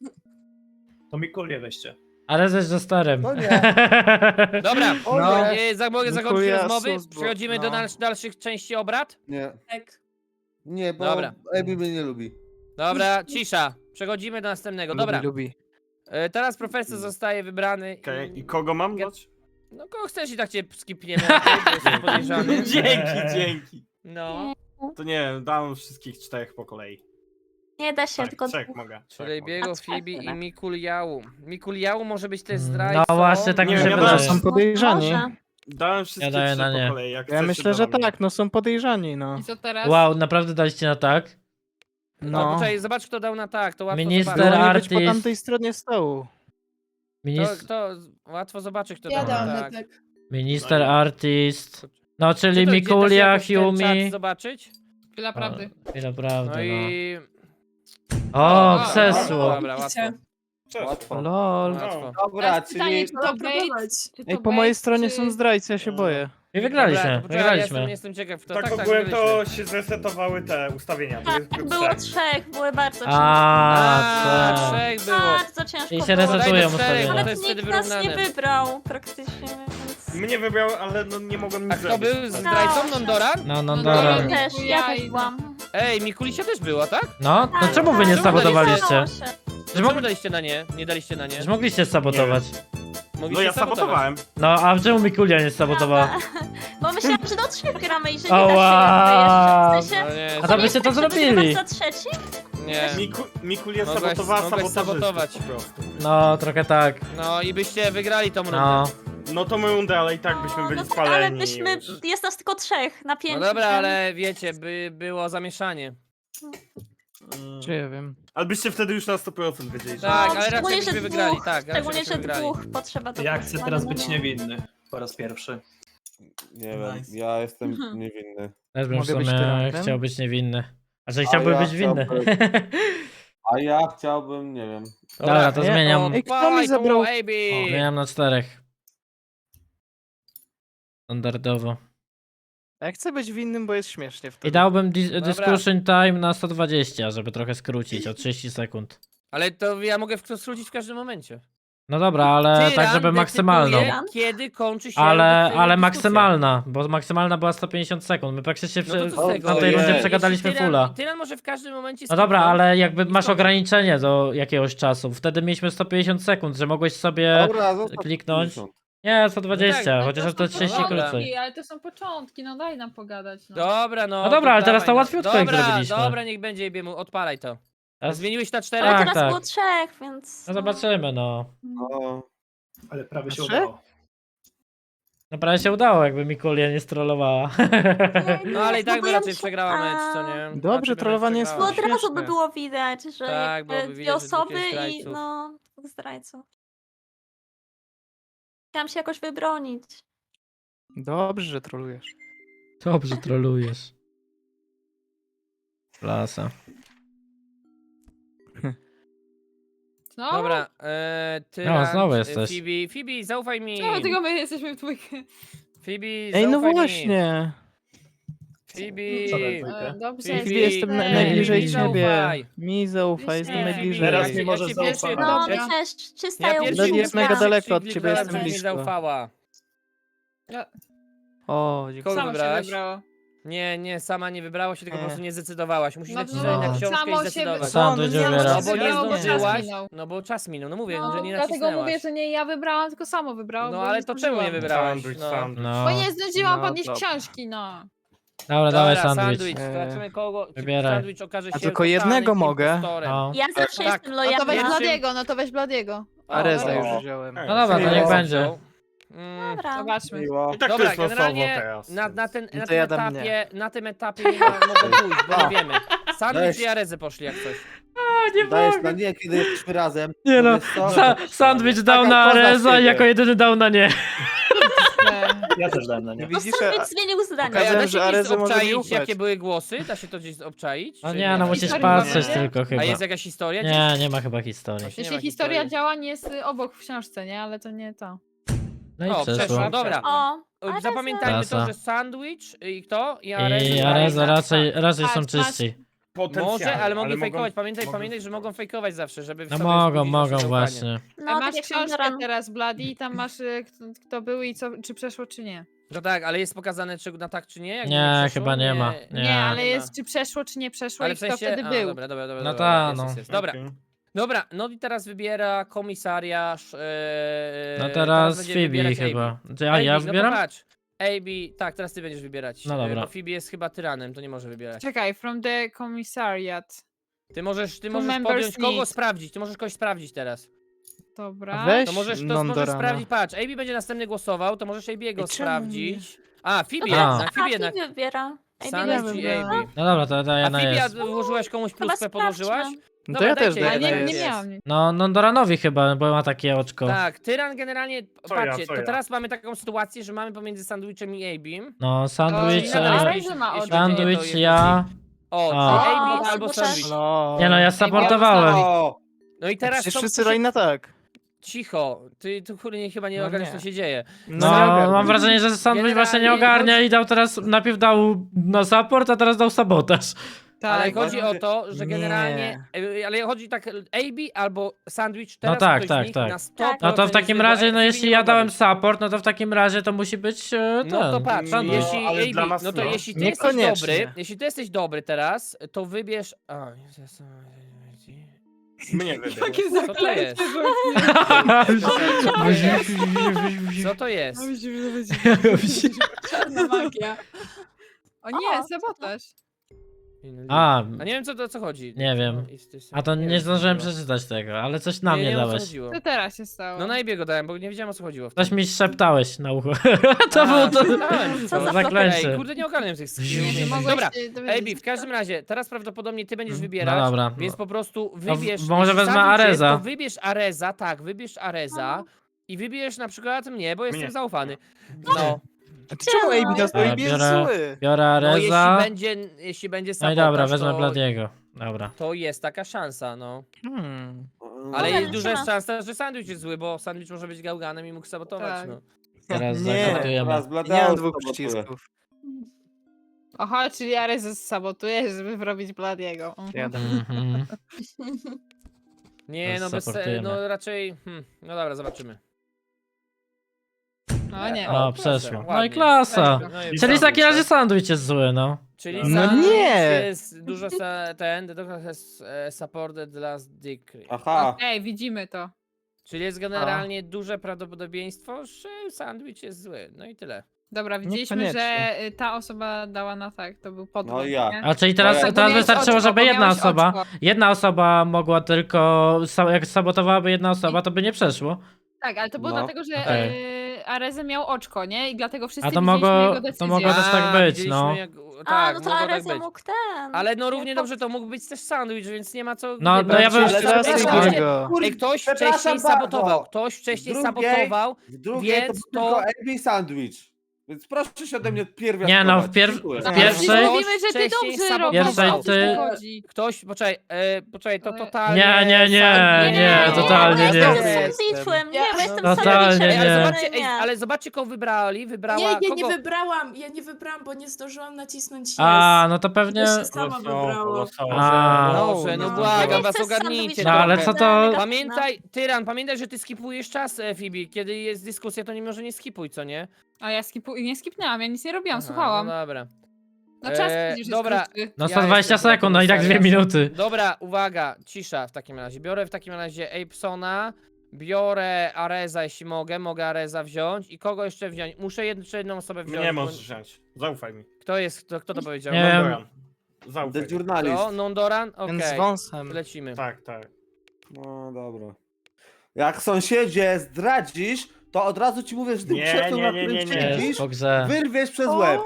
S7: To Mikulię weźcie.
S1: Arezę jest starym.
S3: To nie.
S2: Dobra,
S3: O
S2: no.
S3: nie.
S2: za, mogę zakończyć
S6: Dziękuję,
S2: rozmowy,
S6: sus, bo-
S2: przechodzimy do
S6: no.
S2: dal dalszych części obrad.
S3: Nie,
S4: Tak.
S3: nie, bo
S2: Dobra.
S3: Ebi mnie nie lubi.
S2: Dobra, cisza, przechodzimy do następnego, dobra.
S6: Lubi, lubi.
S2: E, teraz profesor zostaje wybrany
S5: Okej,
S2: i...
S5: i kogo mam dać?
S2: No kogo chcesz i tak cię skipniemy, okej, bo jesteś podejrzany.
S5: Dzięki, dzięki.
S2: No,
S5: To nie wiem, dam wszystkich czterech po kolei.
S4: Nie da się,
S5: Tak,
S4: tylko
S5: trzech mogę. trzech
S2: czyli
S5: mogę.
S2: Biego,
S4: A
S2: Phoebe i
S4: trzech,
S2: Mikuliału. Mikuliału może być też
S1: No
S2: zdrajcą.
S1: właśnie, tak
S5: mi
S1: mi
S5: się
S1: się
S5: Nie,
S6: To
S5: wydaje.
S6: są podejrzani.
S4: Może.
S5: Dałem wszystkie
S1: daję
S5: trzy
S1: na nie.
S5: po kolei. Jak
S6: Ja
S5: chcecie,
S6: myślę,
S5: to
S6: że
S5: na mnie.
S6: tak, no są podejrzani, no.
S4: I co teraz?
S1: Wow, naprawdę daliście na tak?
S2: No,
S6: No.
S2: poczekaj, zobacz kto dał na tak, to łatwo
S1: Minister
S2: zobaczyć.
S6: Powinni być po
S1: artist.
S6: tamtej stronie stołu.
S2: To,
S1: Minis
S2: to łatwo zobaczyć kto
S8: Ja
S2: dał na
S8: dam
S2: tak.
S8: na tak.
S1: Minister artist. No,
S2: Czy
S1: czyli
S2: to- gdzie da się
S1: Mikulia,
S2: jakoś ten czat
S1: Hume.
S2: zobaczyć?
S4: Chwila prawdy.
S1: Chwila prawdy,
S2: No i...
S1: no. O,
S2: O,
S1: krzesło.
S2: Dobra, łatwo.
S5: Cześć.
S3: Łatwo.
S6: Lol.
S2: łatwo.
S3: Dobra,
S4: Teraz pytanie,
S3: czyli...
S4: czy to bait? Czy to
S6: Ej, po mojej
S4: bait,
S6: stronie
S4: czy...
S6: są zdrajcy, ja się boję.
S1: I wygraliśmy,
S2: Dobra, to poczekaj, ja
S1: wygraliśmy.
S2: Jestem, jestem ciekaw. To,
S5: Tak,
S2: tak, tak,
S5: ogółem
S2: wygraliśmy.
S5: to się zresetowały te ustawienia.
S4: Tak,
S5: Były
S4: było
S5: trzech.
S4: trzech, były bardzo ciężkie.
S1: A,
S2: A,
S1: tak.
S2: trzech było.
S4: Bardzo ciężko
S1: Czyli się
S4: było.
S1: resetują
S2: Daj do czterech,
S1: ustawienia.
S2: to
S4: Nawet
S2: jest wtedy
S4: nikt nas nie
S2: wyrównane.
S4: wybrał praktycznie, więc...
S5: Mnie wybrał, ale no nie mogłem nic
S2: A kto
S5: zrobić.
S2: był zdrajcą Nondoran?
S1: No, no,
S4: Ja
S1: dobra.
S4: też, ja też byłam.
S2: Ej, Mikulisia też była, tak?
S1: No, to
S4: Tak,
S1: czemu wy nie
S4: tak,
S1: sabotowaliście?
S4: udało się.
S2: Że czemu daliście na nie? Nie daliście na nie?
S1: Że mogliście sabotować.
S5: No
S2: Mogliście
S5: ja
S2: sabotować.
S5: sabotowałem.
S1: No, a czemu Mikulia nie sabotowała?
S4: Bo myślałam, że do trzech gramy i że nie
S1: Ała.
S4: da się jeszcze. W sensie,
S2: No nie,
S1: A to
S4: nie
S1: byście
S4: jest
S1: to
S4: tak, że
S1: zrobili.
S4: wygrywasz za trzeci?
S2: nie.
S5: Miku, Mikulia
S2: Mogłeś-
S5: sabotowała
S2: mogłeś
S5: sabotażystów
S2: sabotować.
S5: po prostu.
S1: No, trochę tak.
S2: No i byście wygrali tą rundę.
S1: No.
S5: No to my rundę, ale i tak byśmy byli
S4: No tak,
S5: spaleni.
S4: ale byśmy,
S5: już.
S4: jest nas tylko trzech na
S2: No
S4: pięciu.
S2: dobra,
S4: więc-
S2: ale wiecie, by było zamieszanie.
S5: Mm.
S6: Czy ja wiem.
S5: Ale byście wtedy już na sto procent wiedzieli, że...
S2: Tak, ale raczej
S4: szczególnie,
S2: byśmy
S4: że
S2: wygrali,
S4: dwóch,
S2: tak, raczej
S4: Szczególnie,
S2: byśmy
S4: że
S2: wygrali.
S4: dwóch potrzeba do
S7: Ja chcę
S4: głosowania,
S7: teraz
S4: no
S7: być
S4: nie?
S7: niewinny. Po raz pierwszy.
S3: Nie wiem,
S7: Nice.
S3: ja jestem
S4: Mhm.
S3: niewinny.
S1: Też bym w
S6: Mogę być
S1: sumie
S6: tyrantem?
S1: chciał być niewinny. A że
S3: A
S1: chciałbym
S3: ja
S1: być winny.
S3: chciałbym- A ja chciałbym, nie wiem.
S1: Dobra, to
S2: nie,
S1: zmieniam.
S2: o,
S6: Ej, kto mi
S2: dawaj,
S6: zabrał-
S2: tu, Ejbi!
S1: Zmieniam na czterech. Standardowo.
S6: Ja chcę być winnym, bo jest śmiesznie wtedy.
S1: I dałbym dis
S2: Dobra.
S1: discussion time na sto dwadzieścia, żeby trochę skrócić o trzydzieści sekund.
S2: Ale to ja mogę w to skrócić w każdym momencie.
S1: No dobra, ale tak,
S2: Tyran
S1: żeby maksymalną.
S2: decyduje, kiedy kończy się
S1: Ale,
S2: dyskusja.
S1: ale maksymalna, bo maksymalna była sto pięćdziesiąt sekund. My praktycznie
S2: No to
S1: przy-
S2: co z tego?
S1: na tej
S3: Ojej.
S1: rundzie
S3: Jeśli
S1: przegadaliśmy
S2: Jeśli tyran-
S1: fulla.
S2: Tyran może w każdym momencie
S1: No dobra,
S2: skipnąć.
S1: ale jakby
S2: i
S1: masz
S2: skończyć.
S1: ograniczenie do jakiegoś czasu. Wtedy mieliśmy sto pięćdziesiąt sekund, że mogłeś sobie
S3: Dobra, zostaw
S1: kliknąć.
S3: pięćdziesiąt.
S1: Nie, sto dwadzieścia,
S2: tak,
S1: chociaż
S8: to
S1: to
S8: są
S1: trzydzieści
S2: dobra.
S1: krócej.
S8: początki, ale to są początki, no daj nam pogadać. No.
S2: Dobra, no.
S1: No dobra, ale teraz to
S2: dawaj,
S1: łatwiutko
S2: no.
S1: jak
S2: Dobra,
S1: zrobiliśmy.
S2: dobra, niech będzie Jebiemu, odpalaj to.
S1: Teraz-
S2: Zmieniłeś na
S4: Ale
S2: cztery?
S1: Tak,
S4: teraz
S1: tak.
S4: było trzech, więc...
S1: No zobaczymy, no.
S3: O,
S7: Ale prawie się
S6: Trzy?
S7: udało.
S1: No prawie się udało, jakby Mikulia nie strollowała.
S2: No ale i tak by
S4: bo ja
S2: raczej
S4: myślę-
S2: przegrała mecz, co
S4: A.
S2: nie?
S6: Dobrze,
S2: Raczej by
S6: trollowanie jest
S4: Bo
S2: przegrała.
S4: od razu by
S6: Śmieszne.
S4: było widać, że
S2: Tak,
S4: jakby
S2: byłoby
S4: dwie
S2: widać, że dwóch
S4: osoby
S2: jest
S4: i
S2: zdrajców.
S4: no, dwóch zdrajców. Chciałam się jakoś wybronić.
S6: Dobrze, że trolujesz.
S1: Dobrze trolujesz. Klasa.
S8: No,
S2: Dobra, e, ty.
S1: No, znowu jesteś.
S2: Phoebe, Phoebe, zaufaj mi.
S8: czemu tylko my jesteśmy w dwójkę?
S2: Phoebe,
S6: Ej, no
S2: zaufaj mi.
S6: właśnie.
S2: Phoebe.
S7: Co tam dwójkę?
S8: E, Dobrze,
S2: Phoebe,
S6: Phoebe, jestem na,
S2: Ej,
S6: najbliżej
S2: mi
S6: ciebie.
S2: zaufaj.
S6: Mi zaufaj, jestem
S8: Nie,
S6: najbliżej.
S7: Teraz
S2: ja
S7: mi możesz
S2: cię pierwszy-
S7: zaufać.
S4: No,
S8: Dobra.
S4: cześć, czysta
S2: Ja
S4: ją
S2: pierwszy
S6: Blady jest
S4: użyłam.
S6: mega daleko od
S2: kliknąłem,
S6: ciebie, jestem
S2: żebyś mi
S6: blisko.
S2: zaufała.
S6: O, dziękuję.
S2: Kogo
S8: samo się
S2: wybrałaś?
S8: wybrało.
S2: Nie, nie, sama nie wybrałaś się, tylko po
S6: Nie.
S2: prostu nie zdecydowałaś. Musisz
S8: No,
S2: nacisnąć
S1: no,
S2: na
S1: no.
S2: książkę
S8: Samo
S2: i
S8: się
S2: zdecydować.
S1: Sam
S8: no,
S1: będzie
S8: nie,
S1: wybierał.
S2: No bo nie
S8: wybrało, bo czas
S2: zdążyłaś,
S8: minął.
S2: no bo czas minął, no mówię,
S8: No,
S2: że nie
S8: dlatego
S2: nacisnęłaś.
S8: mówię, że nie ja wybrałam, tylko samo wybrało.
S2: No
S8: bo
S2: ale
S8: nie
S2: to czemu nie
S8: zdążyłam.
S2: wybrałaś?
S5: Sandwich,
S2: No.
S5: sandwich.
S1: No.
S8: Bo nie zdążyłam
S6: No,
S8: podnieść
S6: dobra.
S8: książki, no.
S1: Dobra, dawaj
S2: Dobra,
S1: sandwich.
S2: sandwich.
S6: Eee.
S2: Zobaczymy kogo. czy
S1: Wybieraj.
S2: Sandwich okaże się
S6: A tylko
S2: totalnym
S6: jednego mogę?
S2: impostorem.
S1: No.
S4: Ja zawsze
S2: Tak.
S4: jestem
S8: No to
S4: lojalna.
S8: weź
S2: Pierwszym-
S8: Bladiego, no to weź Bladiego.
S6: Areza
S2: dobra.
S6: już wziąłem.
S5: No
S1: No dobra, to
S2: Miło.
S1: niech będzie.
S2: Mm,
S4: Dobra.
S8: Zobaczmy.
S3: miło.
S5: I tak
S2: Dobra,
S5: to jest losowo
S2: generalnie
S5: teraz.
S2: na, na, ten,
S6: No
S2: na
S6: to
S2: tym
S6: ja dam
S2: etapie, na tym etapie nie ma, mogą pójść, bo nie wiemy. Sandwich
S3: Weź.
S2: i Arezę poszli jak coś.
S1: Nie
S3: Dajesz na nie, kiedy jesteśmy razem.
S1: Nie no,
S3: Wiesz co?
S1: Sa sandwich dał
S3: Taka
S1: na
S3: koza
S1: Areza
S3: siebie.
S1: i jako jedyny dał na nie.
S8: E,
S7: Ja też dałem na
S6: Nie
S7: nie.
S4: No
S6: widzisz,
S4: Sandwich
S6: a-
S4: zmienił zdanie.
S2: Ej, a
S6: Pokazałem,
S2: da się
S6: że
S2: gdzieś
S6: Arezę może mi
S2: obczaić,
S6: ufać.
S2: jakie były głosy? Da się to gdzieś obczaić?
S1: No
S2: czy
S1: nie, no musisz
S8: Historii
S1: patrzeć
S8: nie?
S1: tylko chyba.
S2: A jest jakaś historia?
S1: Nie, nie ma chyba historii.
S2: Właśnie nie
S8: Jeśli
S2: ma
S8: historia
S2: historii.
S8: działań jest y, obok w książce, nie? Ale to nie to.
S1: No i
S2: O,
S1: przeszło.
S2: przeszło, dobra.
S4: O, Areza.
S2: Zapamiętajmy to,
S1: Klasa.
S2: że sandwich i kto? I Areza.
S1: I Areza raczej, raczej
S8: Patrz,
S1: są
S8: patrz.
S1: czyści.
S5: Potencjalnie,
S2: Może, ale mogli
S5: mogą-
S2: fejkować. Pamiętaj,
S5: mogą-
S2: pamiętaj, że mogą fejkować zawsze, żeby
S1: No
S2: sobie
S1: mogą,
S2: wzbudzić
S1: mogą
S2: nasze
S1: właśnie.
S2: zaufanie.
S8: No,
S4: No,
S8: masz
S4: tak jak
S8: książkę
S4: Pandoran.
S8: teraz, Bloody, i tam masz y, kto, kto był i co, czy przeszło, czy nie.
S2: No tak, ale jest pokazane czy na tak czy nie? Jak
S1: Nie,
S2: przeszło?
S1: chyba nie ma. Nie.
S8: Nie, ale
S2: nie ma.
S8: jest czy przeszło, czy nie przeszło
S2: Ale
S8: i
S2: w
S8: kto
S2: sensie,
S8: wtedy
S2: a,
S8: był.
S2: dobra, dobra, dobra,
S1: No
S2: dobra,
S1: ta,
S2: jest,
S1: no.
S2: jest, jest. Dobra,
S5: Okej.
S2: dobra, no i teraz wybiera komisariasz. Ee,
S1: No teraz
S2: będzie
S1: Phoebe
S2: wybierać
S1: chyba.
S2: Abby.
S1: Ty- A ja
S2: Abby,
S1: wybieram?
S2: No to patrz. A B, tak, teraz ty będziesz wybierać.
S1: No
S2: e,
S1: dobra.
S2: Bo Phoebe jest chyba tyranem, to nie może wybierać.
S8: Czekaj, from the commissariat.
S2: Ty możesz, ty
S8: Two
S2: możesz
S8: members
S2: podjąć kogo
S8: need.
S2: sprawdzić, ty możesz kogoś sprawdzić teraz.
S8: Dobra.
S6: Weź
S2: To możesz, to możesz
S6: Nondorana.
S2: sprawdzić, patrz, A B będzie następny głosował, to możesz A B'ego
S6: I czemu
S2: sprawdzić. A, Phoebe,
S1: A.
S2: jednak,
S4: A,
S2: Phoebe jednak.
S4: Phoebe wybiera. Ej,
S2: Sandwich
S4: Phoebe
S2: i A
S6: wybrałam.
S2: B.
S1: No dobra, to daję
S2: A
S1: na
S2: Phoebe, a
S1: jest.
S2: włożyłaś komuś
S4: Chyba
S2: pluskę, podłożyłaś?
S4: sprawdźmy.
S6: No
S2: Dobra,
S6: to ja
S2: dajcie
S6: też
S2: jej,
S8: Ale
S6: daję.
S8: nie,
S2: dajcie
S8: nie
S2: jej.
S8: miałam nic.
S1: No, Nondoranowi chyba, bo ma takie oczko.
S2: Tak, tyran generalnie,
S5: Co ja,
S2: patrzcie,
S5: co
S2: to
S5: ja?
S2: teraz mamy taką sytuację, że mamy pomiędzy sandwichem i A B'im.
S1: No, sandwich,
S8: Oj,
S2: nadal
S1: e,
S8: ale-
S2: jeśli-
S8: ma
S2: jeśli
S8: oczy.
S2: będzie nie, to
S1: sandwich
S2: jest
S1: ja.
S2: O,
S1: A.
S2: czyli A B
S4: O,
S2: albo
S4: to
S2: sandwich.
S4: też.
S6: No.
S1: Nie no, ja supportowałem.
S3: O,
S2: No i teraz
S6: Przecież
S2: co-
S6: wszyscy
S2: co
S6: dali
S2: się-
S6: na tak.
S2: Cicho, ty, ty kurde, nie, chyba nie
S6: No
S2: ogarniasz,
S6: nie.
S2: co się dzieje.
S1: No,
S6: nie ogarnę.
S1: mam wrażenie, że sandwich właśnie nie
S2: Generalnie
S1: ogarnia
S2: chodzi-
S1: i dał teraz, najpierw dał na support, a teraz dał sabotaż.
S2: Ale
S8: Tak.
S2: chodzi o
S3: właśnie-
S2: to, że
S6: Nie.
S2: generalnie, e, ale chodzi tak, A B albo sandwich, teraz
S1: tak,
S2: ktoś
S1: tak,
S2: z nich
S1: tak.
S2: na sto
S4: Tak.
S1: No to w
S2: procent
S1: takim
S2: jest
S1: razie, no
S2: wybrany,
S1: jeśli
S2: nie
S1: ja
S2: mogła
S1: dałem
S2: być.
S1: support, no to w takim razie to musi być e, ten.
S2: No to patrz,
S1: sandwich.
S2: jeśli
S5: ale
S2: A B,
S5: dla nas
S2: no to
S5: no.
S2: jeśli ty jesteś
S6: Niekoniecznie.
S2: dobry, jeśli ty jesteś dobry teraz, to wybierz... A, Jezus,
S5: Mnie wybiera.
S8: Jakie
S2: Co to jest? Co to jest?
S8: Czarna magia. O nie,
S4: O,
S8: sabotaż.
S1: A,
S2: A nie wiem co to o co chodzi.
S1: Nie wiem.
S2: No, jest- jest-
S1: a to nie
S2: wiem,
S1: zdążyłem
S2: co to było.
S1: przeczytać tego, ale coś na
S2: Nie,
S1: mnie
S2: nie wiem, o co
S1: dałeś.
S2: chodziło.
S8: Co teraz się stało?
S2: No na Ibiego dałem, bo nie wiedziałem o co chodziło. w
S1: Coś
S2: tym.
S1: mi szeptałeś na ucho. to
S2: A,
S1: było to.
S2: szeptałem,
S4: Co
S2: co
S4: za
S1: zaklęcie.
S2: Ej, kurde, nie ogarniam tych skillów.
S8: Nie mogłeś
S2: Dobra,
S8: się dowiedzieć.
S2: A B, w każdym razie, teraz prawdopodobnie ty będziesz
S1: No
S2: wybierać,
S1: dobra.
S2: więc po prostu
S1: No,
S2: wybierz...
S1: w- może
S2: jeśli
S1: wezmę
S2: sandwich jest,
S1: Areza.
S2: To wybierz Areza, tak, wybierz Areza i wybierz na przykład mnie, bo jestem
S5: Mnie.
S2: zaufany. No,
S6: A ty czemu A B nas
S1: Dobra,
S6: A B jest
S1: biorę-
S6: zły?
S1: Biorę
S2: no jeśli
S1: Areza.
S2: będzie, jeśli będzie
S1: No i
S2: sabotaż,
S1: dobra, wezmę
S2: to,
S1: Bladiego. Dobra.
S2: to jest taka szansa, no.
S6: Hmm.
S2: Ale
S4: Dobra,
S2: jest duża
S4: liczymy.
S2: szansa, że sandwich jest zły, bo sandwich może być gałganem i mógł sabotować,
S8: Tak.
S2: no.
S1: Teraz
S6: Nie,
S1: zaakceptujemy.
S3: teraz
S6: nie
S3: Bladeusz
S6: mam dwóch
S3: sabotuje.
S6: przycisków.
S8: Aha, czyli Ares sabotuje, żeby wrobić Bladiego. Mhm.
S6: Jadę.
S1: Mhm.
S2: Nie,
S1: Teraz
S2: no bez,
S1: supportujemy.
S2: no raczej, hmm, no dobra, zobaczymy.
S8: No nie.
S1: O,
S2: proszę,
S1: przeszło. No
S2: ładnie.
S1: i klasa.
S2: No i
S1: Czyli w
S5: sandwich,
S1: takim razie
S5: tak?
S1: sandwich jest zły, no.
S2: Czyli
S6: No
S2: sandwich
S6: nie!
S2: jest dużo sa, ten, the doctor has uh, supported last decree.
S3: aha.
S8: Ej, widzimy to.
S2: Czyli jest generalnie duże prawdopodobieństwo, że sandwich jest zły. No i tyle.
S8: Dobra, widzieliśmy,
S6: Niekoniecznie.
S8: że y, ta osoba dała na tak, to był podwód.
S3: No i ja.
S8: nie?
S1: A czyli teraz,
S3: No ja-
S1: teraz
S8: Bo miałeś
S1: wystarczyło,
S8: oczko,
S1: żeby
S8: bo
S1: jedna
S8: miałeś
S1: osoba,
S8: oczko.
S1: jedna osoba mogła tylko, sa- jak sabotowałaby jedna osoba, to by nie przeszło.
S8: Tak, ale to było
S3: No.
S8: dlatego, że
S1: Okej.
S8: y, Areze miał oczko, nie? I dlatego wszyscy
S1: A to
S8: widzieliśmy
S1: mogło-
S8: jego
S1: to
S8: decyzję.
S1: mogło też tak
S2: A,
S1: być,
S2: widzieliśmy
S1: no.
S2: Jak...
S4: A,
S2: Tak,
S4: no to
S2: mogło tak
S4: Arezja
S2: być.
S4: mógł ten.
S2: Ale no równie
S4: nie
S2: dobrze to mógł być też sandwich, więc nie ma co...
S1: No,
S2: nie
S1: no ja bym-
S2: Ale-
S6: Teraz
S2: Ej,
S6: i
S2: słuchajcie,
S6: Biego.
S2: Ej, ktoś
S3: Przepraszam
S2: wcześniej
S3: bardzo.
S2: sabotował, ktoś wcześniej
S3: W drugiej-
S2: sabotował,
S3: W drugiej
S2: Więc
S3: to,
S2: to-
S3: tylko A B sandwich. Więc proszę się ode mnie pierwiastkować.
S1: Nie no, w pier-
S3: Dziękuję.
S1: w
S8: Ale
S1: pierwszej-
S8: wszyscy mówimy, że ty
S2: wcześniej
S8: dobrze
S2: sabotował.
S8: robisz,
S1: Pierwszej
S8: o co
S1: ty-
S8: ci chodzi?
S2: ktoś, poczekaj, e, poczekaj, to
S8: E,
S2: totalnie...
S1: Nie, nie, nie,
S2: sam-
S1: nie, totalnie
S4: ja
S1: nie.
S4: jestem sandwichem, nie, bo jestem
S1: Totalnie
S4: sandwichem.
S2: Ej, ale
S1: nie.
S2: zobaczcie, ej,
S4: Nie.
S2: ale zobaczcie, kogo wybrali, wybrała...
S9: Nie, ja nie
S2: kogo...
S9: wybrałam, ja nie wybrałam, bo nie zdążyłam nacisnąć yes.
S1: A, no to pewnie...
S9: To się sama wybrało.
S1: A.
S2: Dobrze, no
S6: No.
S2: błagam
S4: Nie
S2: was,
S4: chcę
S2: ogarnijcie
S1: No, ale
S2: trochę.
S1: co to-
S2: Pamiętaj, Tyran, pamiętaj, że ty skipujesz czas, e, Fibi. Kiedy jest dyskusja, to nie może nie skipuj, co nie?
S8: A ja skipu... nie skipnęłam, ja nic nie robiłam,
S2: Aha,
S8: słuchałam.
S2: No dobra.
S8: No czas
S2: Eee,
S8: widzisz, jest
S2: dobra.
S8: krótki.
S1: No
S2: Ja
S1: sto dwadzieścia
S2: jestem
S1: sekund, no i tak dwie
S2: komisariusz.
S1: minuty.
S2: Dobra, uwaga, cisza w takim razie. Biorę w takim razie Apesona, biorę Areza, jeśli mogę, mogę Areza wziąć i kogo jeszcze wziąć? Muszę jed- jeszcze jedną osobę wziąć.
S5: Nie
S2: bo-
S5: możesz wziąć. Zaufaj mi.
S2: Kto jest, kto, kto to powiedział?
S1: Nie wiem.
S5: Mondoran. Zaufaj
S3: The
S5: mi.
S3: journalist.
S2: Kto? Nondoran? Okej,
S6: Ten z wąsem.
S2: lecimy.
S5: Tak, tak.
S3: No dobra. Jak sąsiedzie zdradzisz, to od razu ci mówię, że tym
S5: Nie,
S3: krzesłem,
S5: nie,
S3: na
S5: nie,
S3: którym
S5: nie, nie.
S1: Jest,
S3: siedzisz,
S1: po grze.
S3: wyrwiesz przez łeb.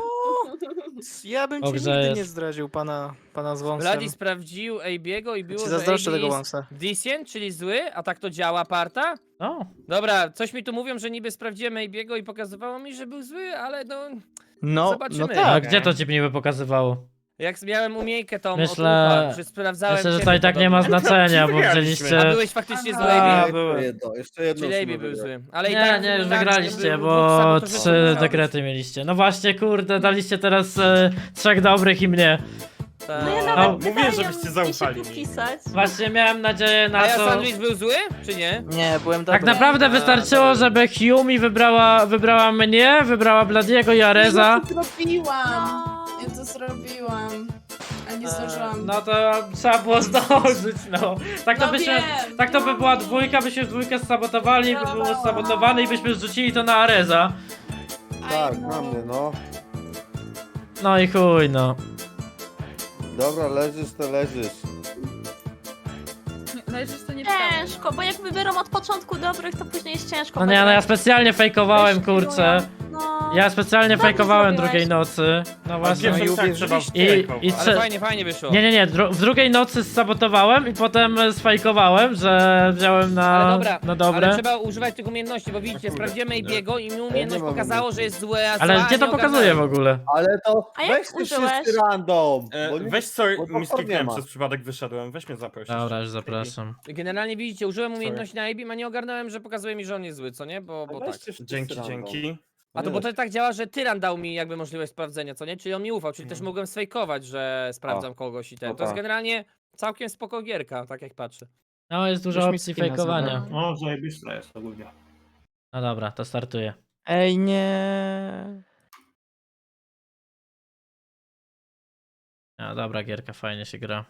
S6: Ja bym ci
S1: Dobrze
S6: nigdy
S1: jest.
S6: nie zdradził pana, pana z wąsem.
S2: Vladi sprawdził Abiego i
S6: Ja
S2: było,
S6: ci
S2: że
S6: zazdroszczę
S2: A B
S6: tego
S2: jest
S6: wąsa.
S2: decent, czyli zły, a tak to działa, parta?
S1: No,
S2: Dobra, coś mi tu mówią, że niby sprawdziłem Abiego i pokazywało mi, że był zły, ale no...
S6: No,
S2: Zobaczymy.
S6: no
S1: a
S6: tak.
S1: gdzie to ci niby pokazywało?
S2: Jak miałem umiejkę tą
S1: Myślę-
S2: od ucha, że sprawdzałem
S1: Myślę, że to
S2: ciebie
S1: i tak nie ma
S2: podobno.
S1: znaczenia, bo
S5: Wygraliśmy.
S2: A
S1: wzięliście...
S2: byłeś faktycznie zły,
S1: A,
S2: Abi?
S1: byłem.
S3: Jeszcze jedno, jeszcze jedno.
S2: Czyli Abi
S3: musimy
S2: był
S3: wygrać.
S2: zły. Ale i
S1: Nie,
S2: tak
S1: nie, już
S2: tak,
S1: wygraliście,
S2: żeby
S1: bo
S2: dwóch sabotażystów
S1: trzy
S2: wygrać.
S1: dekrety mieliście. No właśnie, kurde, daliście teraz e, trzech dobrych i mnie.
S2: Tak.
S4: No ja
S1: No,
S4: nawet
S5: mówię,
S4: pytałem,
S5: żebyście
S4: gdzie
S5: zaufali
S4: się
S5: mi.
S4: podpisać.
S1: Właśnie miałem nadzieję na
S2: A ja
S1: to...
S2: sandwich był zły, czy nie?
S6: Nie, byłem
S1: Tak
S6: dobry.
S1: naprawdę
S2: A,
S1: wystarczyło,
S2: dobra.
S1: żeby Humi wybrała, wybrała mnie, wybrała Bladiego i Areza.
S9: Ja to zrobiłam.
S4: No.
S9: Ja to zrobiłam. A nie
S1: E,
S9: zdążyłam.
S1: No to trzeba było zdążyć, no. Tak to
S9: No
S1: byśmy,
S9: wiem,
S1: tak to by
S9: no.
S1: była dwójka, byśmy w dwójkę sabotowali, by było
S9: No.
S1: sabotowane i byśmy zrzucili to na Areza.
S3: Tak,
S9: Aj, no.
S3: na mnie, no.
S1: No i chuj, no.
S3: Dobra, leżysz, to leżysz.
S8: Leżysz to nie
S4: Ciężko, bo jak wybiorą od początku dobrych, to później jest ciężko.
S1: No nie, no ja
S4: wybrać.
S1: specjalnie fejkowałem,
S4: Też
S1: kurczę.
S4: No.
S1: Ja specjalnie
S4: Dobrze
S1: fejkowałem
S4: zrobiłeś.
S1: drugiej nocy. No
S5: A
S1: właśnie.
S6: No i
S5: pierwszym tak trzeba
S6: uwierzyliście.
S1: I-
S5: wstępować.
S1: i
S2: Ale
S1: Prze-
S2: fajnie, fajnie wyszło.
S1: Nie, nie, nie, dru- w drugiej nocy sabotowałem i potem e, sfajkowałem, że wziąłem na,
S2: Ale dobra,
S1: na dobre.
S2: ale trzeba używać tych umiejętności, bo widzicie,
S5: kurde,
S2: sprawdziłem
S5: nie.
S2: Abiego i mi
S3: Ja
S2: umiejętność
S3: nie mam
S2: pokazało, że jest złe, a
S1: Ale
S2: zła,
S1: gdzie to
S2: nie
S1: pokazuje w
S2: ogarnąłem.
S1: ogóle?
S3: Ale to
S4: A jak
S3: weź ty
S4: użyłeś?
S3: wszyscy random.
S5: E,
S3: bo nie-
S5: weź sorry,
S3: bo
S5: mi
S3: popcorn nie
S5: skliknąłem
S3: ma.
S5: przez przypadek, wyszedłem. Weź mnie zaproś.
S1: Dobra, już zapraszam.
S2: Generalnie widzicie, użyłem umiejętności na Abim, a nie ogarnąłem, że pokazuje mi, że on jest zły, co nie? Bo, bo tak.
S3: Weźcie wszyscy
S5: Dzięki,
S3: random.
S5: dzięki.
S2: A to bo to tak działa, że Tyran dał mi jakby możliwość sprawdzenia, co nie? Czyli on mi ufał, czyli też mogłem sfejkować, że sprawdzam kogoś i ten.
S3: no
S2: To jest
S3: tak.
S2: generalnie całkiem spoko gierka, tak jak patrzę.
S1: No jest dużo
S6: Już mi
S1: opcji
S6: skina
S1: fejkowania.
S6: zabrałem.
S7: No, zajebista jest ogólnie.
S1: No dobra, to startuję.
S6: Ej, nie.
S1: No dobra, gierka fajnie się gra.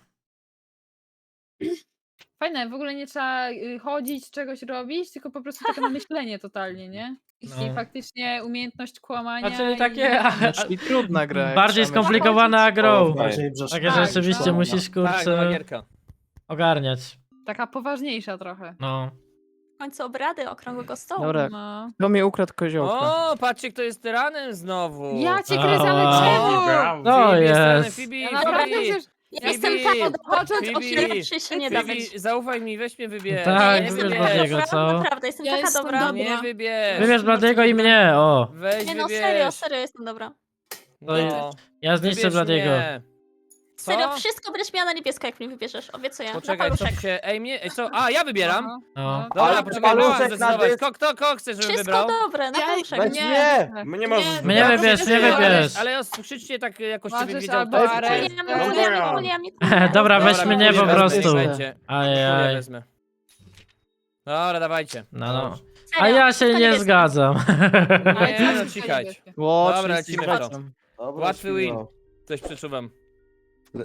S8: Fajne, w ogóle nie trzeba y, chodzić, czegoś robić, tylko po prostu takie myślenie totalnie, nie? I
S1: No.
S8: faktycznie umiejętność kłamania.
S1: A czyli
S8: i-
S1: takie a,
S6: No, czyli trudna gra. jak
S1: bardziej
S6: trzeba myśleć.
S1: skomplikowana
S3: O,
S1: grą.
S3: fajnie.
S7: Bardziej brzeszczała.
S1: Takie
S8: Tak,
S1: rzeczywiście
S8: tak.
S1: musisz
S2: Tak, nowa
S1: kurczę
S2: gierka.
S1: ogarniać.
S8: Taka poważniejsza trochę.
S1: No.
S4: W końcu obrady okrągłego stołu.
S6: Dobra,
S8: No.
S6: kto mi ukradł koziołka?
S2: O, patrzcie, kto jest tyranem znowu.
S8: Ja cię
S1: A.
S8: kręcę, ale czemu?
S5: Brawo.
S1: No
S2: Phoebe
S1: jest.
S2: tyranem, Phoebe,
S8: Ja
S2: Phoebe,
S8: naprawdę przecież...
S4: Ja
S2: Phoebe,
S4: jestem tak od
S8: począć
S2: Phoebe,
S4: od lepszy się nie da
S2: Phoebe,
S4: być.
S2: zaufaj mi, weź mnie wybierz.
S1: Tak,
S2: nie
S1: wybierz
S2: wybierz.
S1: Bladiego,
S4: Naprawdę,
S1: co?
S4: Naprawdę, jestem
S9: Ja
S4: taka
S9: jestem
S4: dobra.
S9: dobra.
S2: Nie wybierz.
S1: Wybierz Bladiego i mnie, o.
S2: Weź
S4: Nie no,
S2: wybierz.
S4: serio, serio jestem dobra.
S1: No i-
S2: No.
S1: Ja zniszczę
S2: Wybierz
S1: Bladiego.
S2: mnie. Co?
S4: Serio, wszystko będziesz miała na niebiesko, jak mnie wybierzesz. Obiecuję. Na
S2: Poczekaj, co
S4: paluszek.
S2: się... Ej, mnie... Ej, co? A, ja wybieram.
S8: No.
S1: No.
S2: Dobra,
S3: Ale
S2: poczekaj,
S3: paluszek
S2: mam
S3: na
S2: zdecydować.
S3: dysk.
S2: Kto, kto, kto chce, żebym
S4: Wszystko
S2: wybrał?
S4: dobre, na
S9: Ja-
S4: paluszek.
S3: Weź
S9: Nie.
S3: mnie!
S5: Mnie możesz
S9: Nie,
S1: Mnie
S5: wybrać.
S1: wybierz, mnie
S2: Ale-
S1: wybierz.
S2: Ale krzyczcie tak jakoś,
S8: Możesz
S2: żebym wiedział,
S8: albo
S2: kto
S8: Arę-
S2: krzyczy.
S4: Nie,
S8: No
S4: nie, nie,
S5: dobra.
S4: nie, nie, nie, nie.
S1: Dobra, weź
S2: Dobra,
S1: mnie po
S2: Kulię
S1: prostu.
S2: wezmę, będzie. Kulię
S1: Ajaj.
S2: wezmę. Dobra, dawajcie.
S1: No, no.
S2: Dobrze.
S1: A
S4: Serio,
S1: ja się
S4: wszystko
S1: nie
S4: niebieskie.
S1: zgadzam.
S2: Nie, no cichać.
S6: Ło,
S2: Dobra,
S6: wszyscy
S2: lecimy w to.
S6: zgadzam.
S3: Dobra,
S2: Łatwy
S3: świnio.
S2: win. Coś przeczuwam.
S3: Le-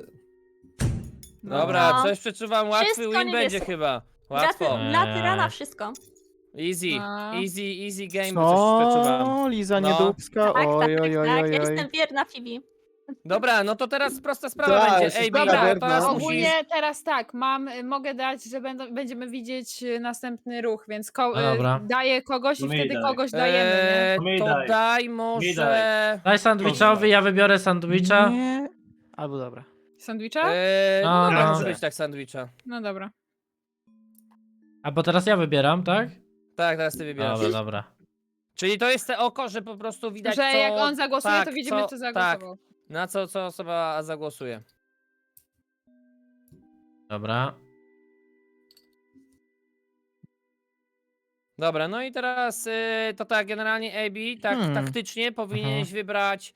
S2: Dobra,
S4: No.
S2: coś przeczuwam, łatwy
S4: Wszystko
S2: win będzie
S4: niebieskie.
S2: chyba.
S4: Dla, ty,
S2: Łatwo.
S1: Eee.
S4: dla tyrana wszystko.
S2: Easy,
S8: A.
S2: easy, easy game, bo coś przeczuwam.
S6: Co? Liza
S2: No.
S6: Niedubska?
S4: Tak, tak,
S6: Oj,
S4: tak,
S6: oj, oj,
S4: tak.
S6: oj,
S4: Ja
S6: oj.
S4: jestem wierna Phoebe.
S2: Dobra, no to teraz prosta sprawa
S3: Tak,
S2: będzie.
S3: jest
S2: Ej,
S3: sprawa
S2: Dobra,
S3: wierna.
S2: teraz musisz...
S8: Ogólnie teraz tak, mam, mogę dać, że będą, będziemy widzieć y, następny ruch, więc ko-
S1: No dobra.
S8: y, daję kogoś i
S7: To mi
S8: wtedy
S7: daj.
S8: kogoś dajemy, nie?
S2: Eee,
S7: Mi
S2: to
S7: daj.
S2: daj
S7: Mi
S2: może...
S1: Daj sandwichowi, ja wybiorę sandwicha.
S6: Nie. Albo dobra.
S8: Sandwicha?
S2: Eee,
S1: No,
S2: no, dobra,
S1: no.
S2: może być tak sandwicha.
S8: No dobra.
S1: A bo teraz ja wybieram, tak?
S2: Tak, teraz ty wybierasz.
S1: Dobra, dobra.
S2: Czyli to jest te oko, że po prostu widać
S8: Że
S2: co...
S8: jak on zagłosuje,
S2: tak,
S8: to widzimy,
S2: co-
S8: co zagłosował.
S2: Tak, na co, co osoba zagłosuje.
S1: Dobra.
S2: Dobra, no i teraz y, to tak, generalnie A B, tak
S6: Hmm.
S2: taktycznie powinieneś wybrać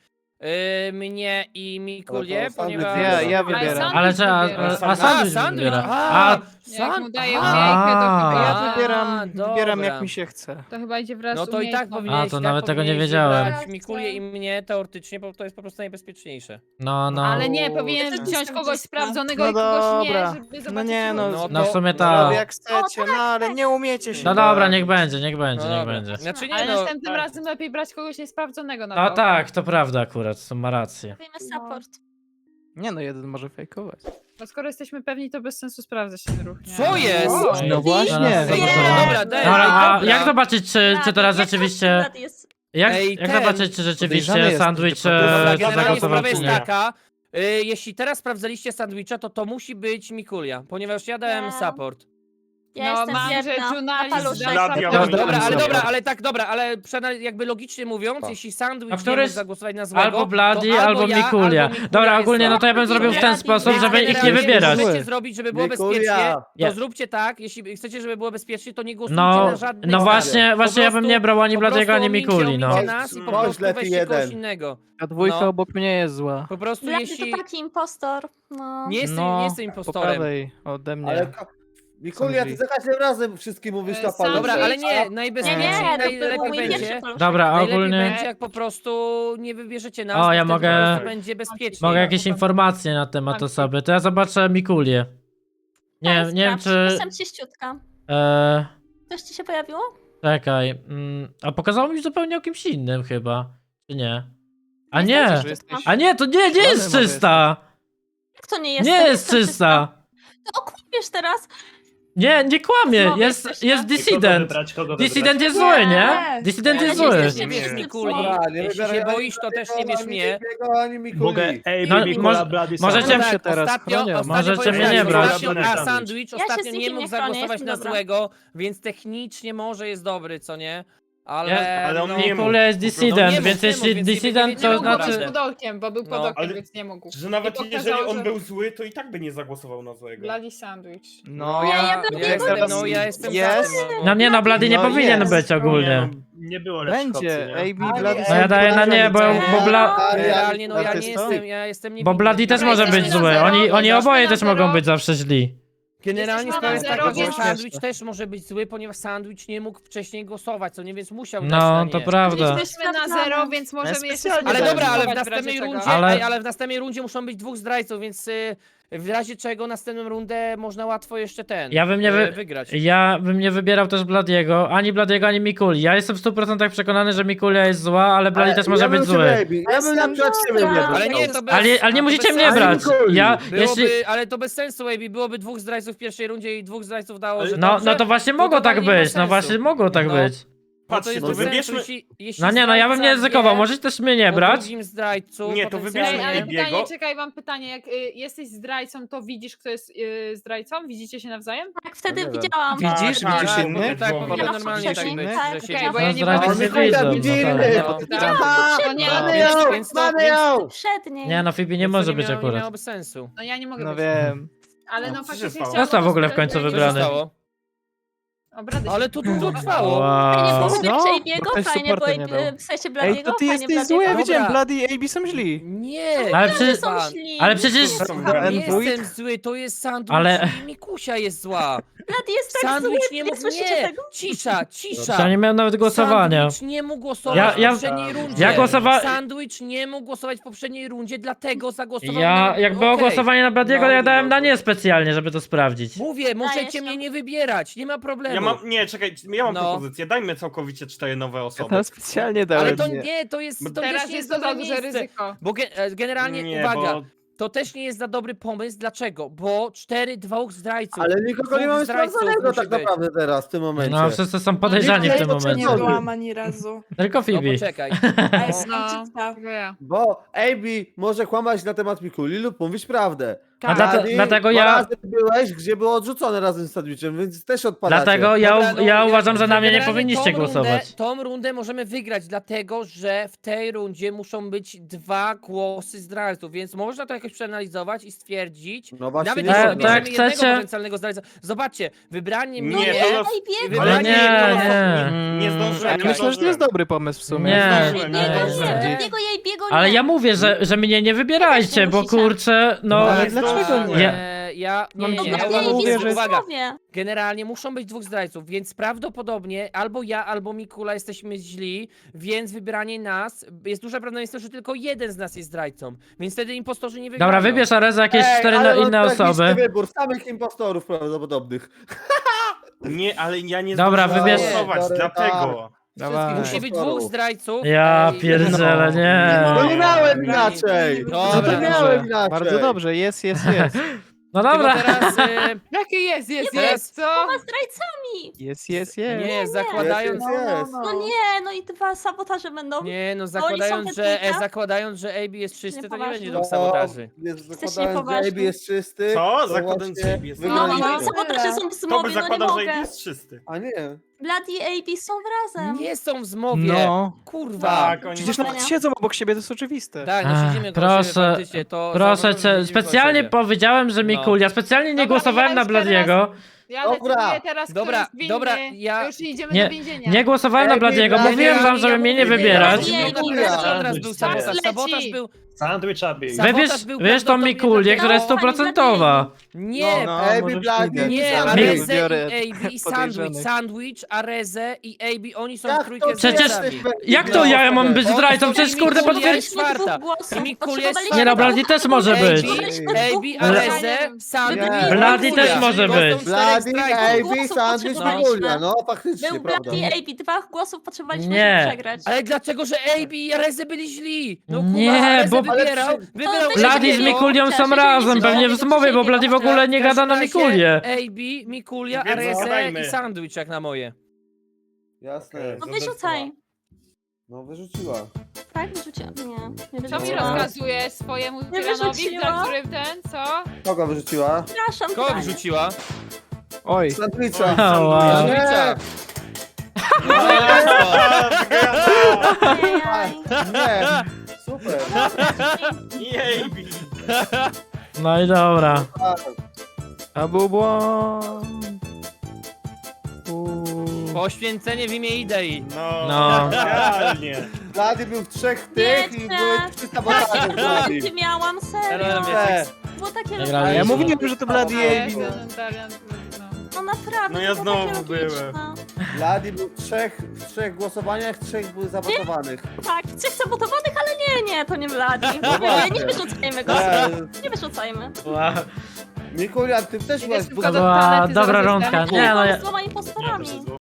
S2: y, mnie i Mikulię,
S3: Ale to sandwich
S2: ponieważ...
S6: Ja, ja
S8: Ale
S6: wybieram.
S8: sandwich
S1: Ale czy, a,
S8: wybiera.
S1: a, a sandwich
S2: A,
S1: wybiera.
S2: A,
S1: A,
S8: Jak mu daję
S2: a,
S8: umiejkę, to
S1: A.
S8: chyba
S6: Ja
S2: A,
S6: wybieram, wybieram
S2: dobra.
S6: jak mi się chce.
S8: To chyba idzie wraz
S2: No
S8: z
S2: to i tak
S8: umiejętnością.
S2: powinieneś,
S1: A, to
S2: tak
S1: nawet tego nie
S2: powinieneś
S1: wiedziałem.
S2: wybrać Mikulię i mnie teoretycznie, bo to jest po prostu najbezpieczniejsze.
S1: no, no.
S8: Ale nie,
S6: O,
S8: powinien
S9: ja też
S8: wziąć
S9: jestem
S8: kogoś
S9: czysta.
S8: sprawdzonego
S6: No
S8: i kogoś
S6: dobra.
S8: nie, żeby
S6: No
S8: zobaczyć
S6: nie, no.
S8: ruch.
S1: No w sumie
S6: No,
S1: tak.
S6: jak chcecie, no ale nie umiecie się.
S1: No dobra, niech będzie, niech będzie,
S2: No
S1: niech
S2: dobra.
S1: będzie.
S2: Znaczy nie
S8: Ale
S2: no,
S8: następnym
S2: tak.
S8: razem lepiej brać kogoś niesprawdzonego na
S1: No
S8: to.
S1: tak, to prawda akurat, to ma rację.
S4: Robimy support.
S6: Nie no, jeden może fejkować.
S8: Bo skoro jesteśmy pewni, to bez sensu sprawdzać ten ruch, nie?
S2: Co jest?
S8: O,
S1: Ej,
S6: No właśnie.
S1: zaraz
S2: Ej,
S1: zobaczymy.
S2: dobra, dobra, daj,
S1: Dobra, a
S2: dobra.
S1: jak zobaczyć, czy, czy teraz
S4: Jak
S1: rzeczywiście...
S4: każdy jest...
S1: Jak,
S2: Ej,
S1: jak
S2: ten-
S1: zobaczyć, czy rzeczywiście
S6: Podejrzany
S1: sandwich
S6: jest, że
S1: e,
S6: to-
S2: Dobra,
S1: to
S2: generalnie
S1: zagłosował,
S2: sprawa
S1: czy
S2: jest
S1: nie?
S2: taka, y, jeśli teraz sprawdzaliście sandwicha, to to musi być Mikulia, ponieważ ja dałem
S4: Nie.
S2: support.
S4: Ja
S8: No,
S4: jestem
S8: mam, że
S4: wierna.
S8: Junali
S4: Na paluszek.
S8: zda
S5: Dla
S8: support.
S5: diabła.
S2: Dobra, ale
S1: Dobra.
S2: dobra, ale tak, dobra, ale przena- jakby logicznie mówiąc,
S3: Tak.
S2: jeśli sandwich
S1: A
S2: nie
S1: któryś-
S2: mógł zagłosować na złego,
S1: Albo Bloody,
S2: to
S1: albo
S2: ja,
S1: Mikulia.
S2: albo Mikulia
S1: Dobra,
S2: jest
S1: ogólnie
S2: zła.
S1: no to ja bym zrobił w ten
S4: Bloody,
S1: sposób,
S4: Bloody.
S1: żeby ich nie
S2: Generalnie,
S1: wybierać.
S2: Jeśli chcecie zrobić, żeby było
S3: Mikulia.
S2: bezpiecznie, to
S1: Ja.
S2: zróbcie tak, jeśli chcecie, żeby było bezpiecznie, to nie głosujcie
S1: No,
S2: na żadnej
S1: no
S2: stronie.
S1: właśnie,
S2: Po
S1: właśnie ja bym
S2: prostu-
S1: nie brał ani
S2: po
S1: Bladiego,
S2: prostu
S1: ani
S2: omincie-
S1: Mikuli, no.
S2: omincie nas i po
S3: Chodź,
S2: prostu
S3: lepiej
S2: weźcie kogoś
S3: jeden.
S2: innego.
S6: Ta dwójka
S2: No.
S6: obok mnie jest zła.
S2: Po prostu
S4: Blady
S2: jeśli...
S4: to taki impostor. No.
S2: Nie jestem,
S6: No,
S2: nie jestem
S6: Po
S2: impostorem.
S6: prawej ode mnie.
S3: Ale ko- Mikulia, ty za każdym razem wszystkim mówisz
S8: E,
S3: na
S8: sam-
S3: paluszek.
S2: Dobra, ale nie,
S4: Nie,
S2: najbezpieczniej,
S4: nie, to był
S2: najlepiej
S4: mój
S2: będzie.
S4: pierwszy paluszek.
S1: Dobra,
S2: Najlepiej
S1: ogólnie
S2: będzie, jak po prostu nie wybierzecie nas,
S1: O,
S2: bo
S1: ja
S2: wtedy
S1: mogę-
S2: po prostu będzie bezpiecznie.
S1: mogę jakieś informacje na temat
S8: Tak.
S1: osoby, to ja zobaczę Mikulię. Nie,
S4: Tak,
S1: nie wiem
S4: sprawdź.
S1: czy...
S4: Jestem czyściutka.
S1: E,
S4: Coś ci się pojawiło?
S1: czekaj, mm, a pokazało mi zupełnie o kimś innym chyba, czy nie? A
S4: Jestem
S1: nie,
S6: Że jesteś...
S1: a nie, to nie, nie jest
S6: może
S1: czysta!
S4: Jak to nie jest?
S1: Nie jest czysta!
S4: To okłamiesz teraz.
S1: Nie, nie kłamie,
S4: Znowu
S1: jest,
S4: jesteś,
S1: jest
S4: no.
S7: Kogo
S1: dissident.
S7: wybrać, kogo
S1: Dissident
S7: wybrać?
S1: jest zły, nie?
S9: Nie.
S1: Dissident
S2: Ale
S1: jest
S2: nie
S1: zły.
S2: jesteś-
S4: Nie
S2: bierz
S4: jest
S2: Mikuli.
S3: Dobra, nie
S2: Jeśli
S3: wybieraj
S2: się
S3: ani
S2: boisz, to też nie
S3: Bladiego,
S2: bierz
S3: ani
S2: mnie.
S3: Drugiego, ani Mikuli.
S7: Mogę, ej,
S1: No,
S7: Mikula,
S1: może-
S7: Bloody,
S1: możecie-
S7: Sandwich.
S6: się
S2: Tak,
S6: teraz
S2: ostatnio,
S6: chronią.
S2: ostatnio
S1: Możecie
S2: powiem
S1: mnie
S2: tak,
S1: nie brać.
S2: ostatnio- A
S7: Sandwich.
S2: sandwich
S4: Ja
S2: ostatnio
S4: się z
S2: nie
S4: nikim
S2: mógł
S4: nie chronię,
S2: zagłosować
S4: jestem
S2: na
S4: dobra.
S2: złego, więc technicznie może jest dobry, co nie? Ale,
S1: Ja-
S5: ale on
S2: no,
S5: nie mógł.
S1: Mikulia jest
S2: No nie
S1: dissident,
S2: mógł,
S1: więc
S2: nie
S1: jeśli
S2: mógł, więc nie
S1: dissident
S2: wiedzieli,
S1: to
S8: Nie
S2: co
S8: mógł
S1: znaczy...
S8: być pod okiem, bo był pod
S2: No.
S8: okiem,
S5: Ale-
S8: więc nie mógł.
S5: Że nawet
S8: I pokazało,
S5: jeżeli on
S8: że-
S5: był zły, to i tak by nie zagłosował na złego.
S8: Bloody sandwich.
S6: No
S4: Nie,
S6: ja...
S4: ja bym
S2: ja
S4: nie
S2: jestem,
S4: byłem
S2: no ja jestem
S6: Jest?
S2: za tym, no,
S1: No nie no, Blady nie
S6: No
S1: powinien
S6: jest.
S1: być ogólnie.
S7: Nie, no, nie było lepszych opcji,
S6: Będzie,
S7: nie?
S6: A B, Bloody
S1: No ja daję na nie, bo, bo, Bla...
S2: Realnie, no ja nie
S6: Artysto?
S2: jestem, ja jestem
S1: bo
S2: niewinny.
S1: Bloody też
S8: Dobra,
S1: może być
S8: jesteśmy na
S1: zły.
S8: zero,
S1: Oni, oni
S8: jesteśmy
S1: oboje
S8: na
S1: też
S8: zero.
S1: mogą być zawsze źli.
S2: Generalnie
S8: Jesteśmy
S2: sprawa
S8: na
S2: jest
S8: zero,
S2: taka, że
S8: więc-
S2: sandwich też może być zły, ponieważ sandwich nie mógł wcześniej głosować, co nie, więc musiał dać
S1: No,
S2: na nie.
S1: to prawda.
S8: Jesteśmy na zero, więc możemy jeszcze
S6: specjalnie
S8: sobie
S2: Ale dobra, ale w
S8: zagłosować razie
S2: następnej
S8: czego.
S2: rundzie,
S1: Ale-
S2: ale... ale w następnej rundzie muszą być dwóch zdrajców, więc y, w razie czego następną rundę można łatwo jeszcze ten
S1: Ja bym nie
S2: y,
S1: wy-
S2: wygrać.
S1: Ja bym nie wybierał też Bladiego, ani Bladiego, ani Mikuli. Ja jestem w stu procentach przekonany, że Mikulia jest zła, ale Bladi też może
S3: ja bym
S1: być
S3: ciebie,
S1: zły.
S3: Ejbi, Ja bym na przykład ciebie nie
S4: Ale
S2: Ale
S3: wybrał.
S2: nie, to bez,
S1: Ale, ale nie
S2: to
S1: musicie
S2: bez
S1: mnie
S2: sensu.
S1: brać. Ja,
S2: Byłoby,
S1: jeśli...
S2: ale to bez sensu, Amy. Byłoby dwóch zdrajców w pierwszej rundzie i dwóch zdrajców dało, że
S1: No,
S2: dobrze,
S1: no to właśnie mogło
S2: to
S1: tak
S2: nie ma
S1: być, no
S2: sensu.
S1: właśnie mogło tak
S2: No.
S1: być.
S2: No to
S5: Patrzcie,
S2: jest
S5: to
S2: bez sensu,
S5: wybierzmy...
S2: jeśli, jeśli
S1: No nie, no ja bym nie
S2: zdrajca
S1: ryzykował,
S2: wie
S1: możecie też mnie nie
S2: o
S1: brać.
S2: drugim zdrajcu,
S5: Nie, to
S2: potencjalnie-
S8: Ej, ale
S5: Biego.
S8: pytanie, czekaj, mam pytanie. Jak y, jesteś zdrajcą, to widzisz, kto jest y, zdrajcą? Widzicie się nawzajem?
S4: Tak, wtedy
S3: nie wiem.
S4: widziałam.
S6: Widzisz?
S5: Tak,
S6: Widzisz
S5: tak,
S6: innych?
S2: Tak,
S5: Bo-
S2: powinno
S4: Ja
S2: normalnie tak
S4: poprzedniej,
S2: być,
S4: tak.
S2: że
S8: Okej,
S2: się
S8: bo ja nie
S1: zdrajcy
S8: mogę
S1: nie
S8: się
S1: widzą,
S3: Mikulia,
S1: no
S3: widzi
S1: tak.
S3: innych.
S2: No.
S4: Widziałam
S3: Aha,
S4: poprzedniej.
S2: No,
S3: mamy
S2: więc-
S3: ją,
S2: więc to-
S3: mamy
S2: więc-
S3: ją.
S4: Poprzedniej.
S1: Nie no, Phoebe nie
S2: Więc to
S1: może być
S2: miało, Nie
S1: akurat.
S2: miałoby sensu.
S8: No ja nie mogę
S6: No
S8: być.
S6: wiem.
S8: Ale
S5: No,
S8: no
S5: co się
S8: faktycznie
S5: stało?
S8: chciałam...
S1: Został w ogóle w końcu
S2: Co się
S1: wybrany.
S2: stało?
S8: Obrady
S2: Ale to długo trwało.
S4: Fajnie
S1: Wow.
S4: było
S6: No,
S4: wybierać
S6: bo
S4: Ejbiego,
S6: ktoś
S4: fajnie
S6: supporta
S4: było
S6: nie dał.
S4: Ejbi- w sensie
S6: Ej,
S4: Bladiego,
S6: to ty
S4: fajnie
S6: jesteś zły, ja
S4: Bladiego.
S6: widziałem,
S2: Dobra.
S6: Bloody i A B są źli.
S2: Nie!
S1: Ale
S4: Że
S1: przecież...
S4: są źli.
S1: Ale przecież...
S5: Są
S6: Na
S2: Nie
S6: N dwójkę?
S2: jestem zły, to jest sandwich
S1: Ale-
S2: i Mikusia jest zła.
S4: Blady jest tak
S2: Sandwich
S4: zły,
S2: nie mógł,
S4: słyszycie
S2: nie,
S4: tego?
S2: cisza, cisza.
S1: Ja nie miałem nawet głosowania.
S2: Sandwich nie mógł głosować
S1: Ja- ja-
S2: w poprzedniej rundzie.
S1: ja głosowa-
S2: Sandwich nie mógł głosować w poprzedniej rundzie, dlatego zagłosował
S1: Ja,
S2: na...
S1: jak było
S2: Okej.
S1: głosowanie na Bladiego,
S3: No,
S1: ja dałem na
S3: no.
S1: nie specjalnie, żeby to sprawdzić.
S2: Mówię, możecie
S4: się.
S2: mnie nie wybierać, nie ma problemu.
S5: Ja mam, nie, czekaj, ja mam
S2: No.
S5: propozycję, dajmy całkowicie cztery nowe
S6: Ja
S5: osoby.
S6: tam specjalnie dałem.
S2: Ale to
S6: nie.
S2: nie, to jest, to
S8: Teraz
S2: też nie
S8: jest
S2: jest
S8: to za
S2: dobre
S8: duże
S2: miejsce.
S8: ryzyko.
S2: Bo ge e, generalnie,
S5: Nie,
S2: uwaga,
S5: bo
S2: to też nie jest za dobry pomysł. Dlaczego? Bo cztery, dwóch zdrajców.
S3: Ale nikogo
S2: Dwóch
S3: nie mamy
S2: zdrajców
S3: sprawdzonego
S2: musi
S3: tak
S2: być.
S3: naprawdę teraz, w tym momencie.
S1: No, wszyscy są podejrzani w tym
S9: Nie
S1: momencie.
S9: byłam ani razu.
S1: Tylko
S2: No
S1: Phoebe.
S2: poczekaj.
S9: A jestem
S8: No.
S9: czysta.
S8: Tylko ja.
S3: Bo A B może kłamać na temat Mikuli lub mówić prawdę.
S1: A dlate,
S3: Blady,
S1: dlatego
S3: dwa
S1: ja...
S3: razy byłeś, gdzie było odrzucone razem z sandwichem, więc też odpadacie.
S1: Dlatego ja,
S2: Dobra,
S1: u-
S2: no,
S1: ja uważam, że na mnie nie
S2: generalnie
S1: powinniście
S2: tą rundę,
S1: głosować.
S2: Tą rundę możemy wygrać, dlatego że w tej rundzie muszą być dwa głosy zdrajców, więc można to jakoś przeanalizować i stwierdzić.
S3: No właśnie
S2: Nawet
S3: nie
S2: jeśli
S1: E,
S3: można.
S2: wybierzemy
S1: tak
S2: jednego
S1: chcecie?
S2: potencjalnego zdrajcę. Zobaczcie, wybranie
S5: Nie,
S2: mnie...
S5: to-
S4: Ej,
S2: i
S4: biegł!
S1: Ale
S2: wybranie
S1: nie,
S2: jednego-
S1: nie.
S5: Nie zdążyłem,
S6: Ja
S5: nie
S6: myślę, że to jest
S5: zdążyłem.
S6: dobry pomysł w sumie.
S1: Nie.
S5: zdążyłem,
S1: nie,
S4: Biego
S1: nie.
S4: nie, biego jej, biego nie.
S1: Ale ja mówię, że, że mnie nie wybierajcie, bo
S4: musicie.
S1: kurczę, no...
S6: No, ale
S5: Nie
S6: dlaczego
S5: zdążyłem.
S6: nie?
S1: Ja-
S2: E, ja, nie,
S6: Mam
S2: nie,
S4: No
S2: nie,
S6: Ja
S2: ja
S4: Blady
S6: wam
S4: i
S6: mówię,
S4: Amy
S6: że-
S4: są
S2: uwaga,
S4: zdrowie.
S2: generalnie muszą być dwóch zdrajców, więc prawdopodobnie albo ja, albo Mikula jesteśmy źli, więc wybieranie nas, jest duże prawdopodobieństwo, że tylko jeden z nas jest zdrajcą, więc wtedy impostorzy nie wygrają.
S1: Dobra, wybierz Areza jakieś
S3: Ej,
S1: cztery
S3: ale
S1: no,
S3: mam
S1: inne
S3: tragiczny
S1: osoby.
S3: wybór, samych impostorów prawdopodobnych.
S5: Nie, ale ja nie
S1: Dobra,
S5: zdążyłem
S1: wybierz-
S5: głosować,
S3: Sorry,
S5: dlatego.
S6: Dawaj.
S2: Musi być
S3: Impostorów.
S2: dwóch zdrajców.
S1: Ja
S2: Ej,
S1: pierdzielę, nie.
S3: No nie
S5: Nie.
S3: miałem inaczej!
S2: Dobra,
S3: No to
S2: dobrze.
S3: miałem inaczej!
S6: Bardzo dobrze, jest, jest, jest.
S1: No
S2: Tylko
S1: dobra.
S2: teraz, e,
S8: Jaki jest, jest,
S2: Teraz-
S8: jest, co?
S4: Ma zdrajcami!
S6: Jest, jest, jest.
S2: nie, zakładając...
S3: Jest, jest, jest.
S4: No nie, no i dwa sabotaże będą.
S2: Nie, no
S4: Oni
S2: zakładając,
S4: są
S2: że, e,
S4: technika?
S2: zakładając, że A B jest czysty, to nie
S4: Niepoważni.
S2: będzie
S3: No,
S2: dwóch sabotaży.
S3: jest-
S4: Jesteście
S3: zakładając, że
S4: niepoważni.
S3: A B jest czysty.
S5: Co?
S3: to
S5: Zakładając, że
S3: właśnie
S5: A B jest-
S4: No,
S3: wygraliśmy.
S4: no i sabotaże są w
S5: To by
S4: zmowie, no nie
S5: zakładał, że
S4: mogę.
S5: jest czysty.
S3: A nie.
S4: Blady i A B są razem.
S2: Nie są w zmowie.
S6: No.
S2: Kurwa.
S5: Tak, oni
S6: Przecież
S5: są-
S6: nawet siedzą obok siebie, to jest oczywiste.
S2: Tak, no
S1: Ach,
S2: siedzimy koło siebie
S1: proszę,
S2: faktycznie, to
S1: Proszę
S2: zauważyłem, że
S1: cię,
S2: siedzimy koło
S1: specjalnie
S2: siebie.
S1: powiedziałem, że
S2: No.
S1: Mikulia, specjalnie nie
S8: Dobra,
S1: głosowałem
S8: ja
S1: na
S8: już teraz-
S1: Bladiego.
S8: Ja
S3: Dobra.
S8: decyduję teraz, kto
S2: Dobra,
S8: jest winny.
S2: dobra, ja-
S8: Już idziemy
S1: Nie,
S8: do więzienia.
S1: Nie głosowałem na
S3: Ej,
S1: Bladiego,
S3: Blady,
S1: mówiłem wam,
S2: ja
S1: żeby mnie nie
S2: mówię,
S1: wybierać.
S2: ja mówię,
S3: Mikulia.
S2: że teraz był sabotaż,
S8: Leci.
S2: sabotaż był...
S7: Sandwich Abi.
S2: Sabotaż
S1: Wybierz,
S2: był
S1: wybierz tą
S2: prawdopodobnie
S1: Mikulię, która jest
S4: dlatego-
S1: stuprocentowa.
S2: Nie,
S6: No,
S3: A B,
S6: możesz
S3: Blady,
S6: wygrać.
S2: nie,
S3: Sandwich.
S2: Areze
S6: Wybiorę
S2: i A B i Sandwich,
S6: podejrzanych.
S2: Sandwich, Areze i A B, oni są
S3: Jak
S2: w trójkę
S3: to
S1: Przecież-
S2: zdrajcami.
S1: Jak to ja mam być
S2: Oni
S1: zdrajcą?
S2: są
S1: Przecież kurde
S2: Mikulia
S1: potwierdź...
S2: jest czwarta.
S4: I
S2: Mikulia jest
S1: Nie no, Bladi też może być.
S2: A B, Areze, Sandwich,
S3: Nie.
S1: Blady
S2: Mikulia.
S1: też może
S2: To są
S1: być.
S2: czterech
S3: Blady,
S2: zdrajców.
S3: A B,
S4: Głosów
S3: Sandwich,
S4: potrzebowaliśmy.
S3: Mikulia. No faktycznie,
S4: Był
S3: prawda.
S4: Blady i A B, dwa głosów potrzebowaliśmy,
S1: Nie.
S4: żeby przegrać.
S2: Ale dlaczego, że A B i Areze byli źli? No
S1: Nie,
S2: Kuba, Areze
S1: bo-
S2: wybierał,
S3: ale
S2: wybierał
S4: przy-
S1: Bladi z
S4: Blady
S1: Mikulią są
S4: Cieszę się,
S1: razem,
S4: że
S1: pewnie
S4: nie
S1: w zmowie, bo Bladi w ogóle nie gada na Mikulię.
S2: A B, Mikulia,
S5: Więc
S2: Areze
S5: zgadajmy.
S2: i Sandwich jak na moje.
S3: Jasne.
S4: No wyrzucaj.
S3: No wyrzuciła.
S4: Tak, wyrzuciłam. Nie, nie
S8: Co mi
S4: wyrzuciłam.
S8: rozkazuje swojemu
S4: Nie
S8: tyranowi,
S4: wyrzuciła.
S8: za którym ten, co?
S3: Kogo wyrzuciła?
S4: Przepraszam,
S2: Kogo
S4: Tyranie.
S2: wyrzuciła?
S6: Oj.
S3: Sandwicha.
S1: O, wow.
S2: Sandwicha.
S4: Ajajaj.
S3: Nie. Super.
S5: Jej,
S1: No i dobra.
S3: Tak.
S6: A był błąd. Uuu.
S2: Poświęcenie w imię idei.
S5: No,
S1: No.
S5: realnie.
S3: Blady był w trzech tych i
S4: Wiecie.
S3: były trzy sabotaże w Blady.
S4: Gdzie miałam, serio.
S3: Nie.
S4: Było takie
S1: Grali.
S6: A ja
S1: Jezu.
S6: mówiłem, że to Blady i
S8: Nie,
S6: A B. no.
S8: ten Darian, no.
S4: No naprawdę,
S5: No ja
S4: to było takie
S5: znowu byłem.
S4: logiczne.
S3: Blady był w trzech, w trzech głosowaniach, trzech były zabotowanych.
S4: Tak, trzech sabotowanych, ale nie, nie, to nie Blady.
S3: No
S4: Nie,
S3: właśnie.
S4: nie wyrzucajmy go.
S3: Nie.
S4: Nie wyrzucajmy.
S1: Wow.
S3: Mikulia, ty też byłaś
S8: Idę
S3: w
S8: szybko
S1: To
S8: do
S1: była
S8: toalety,
S1: dobra
S8: zaraz
S1: rundka.
S8: jestem.
S1: Nie no, ja...
S4: Z dwoma impostorami.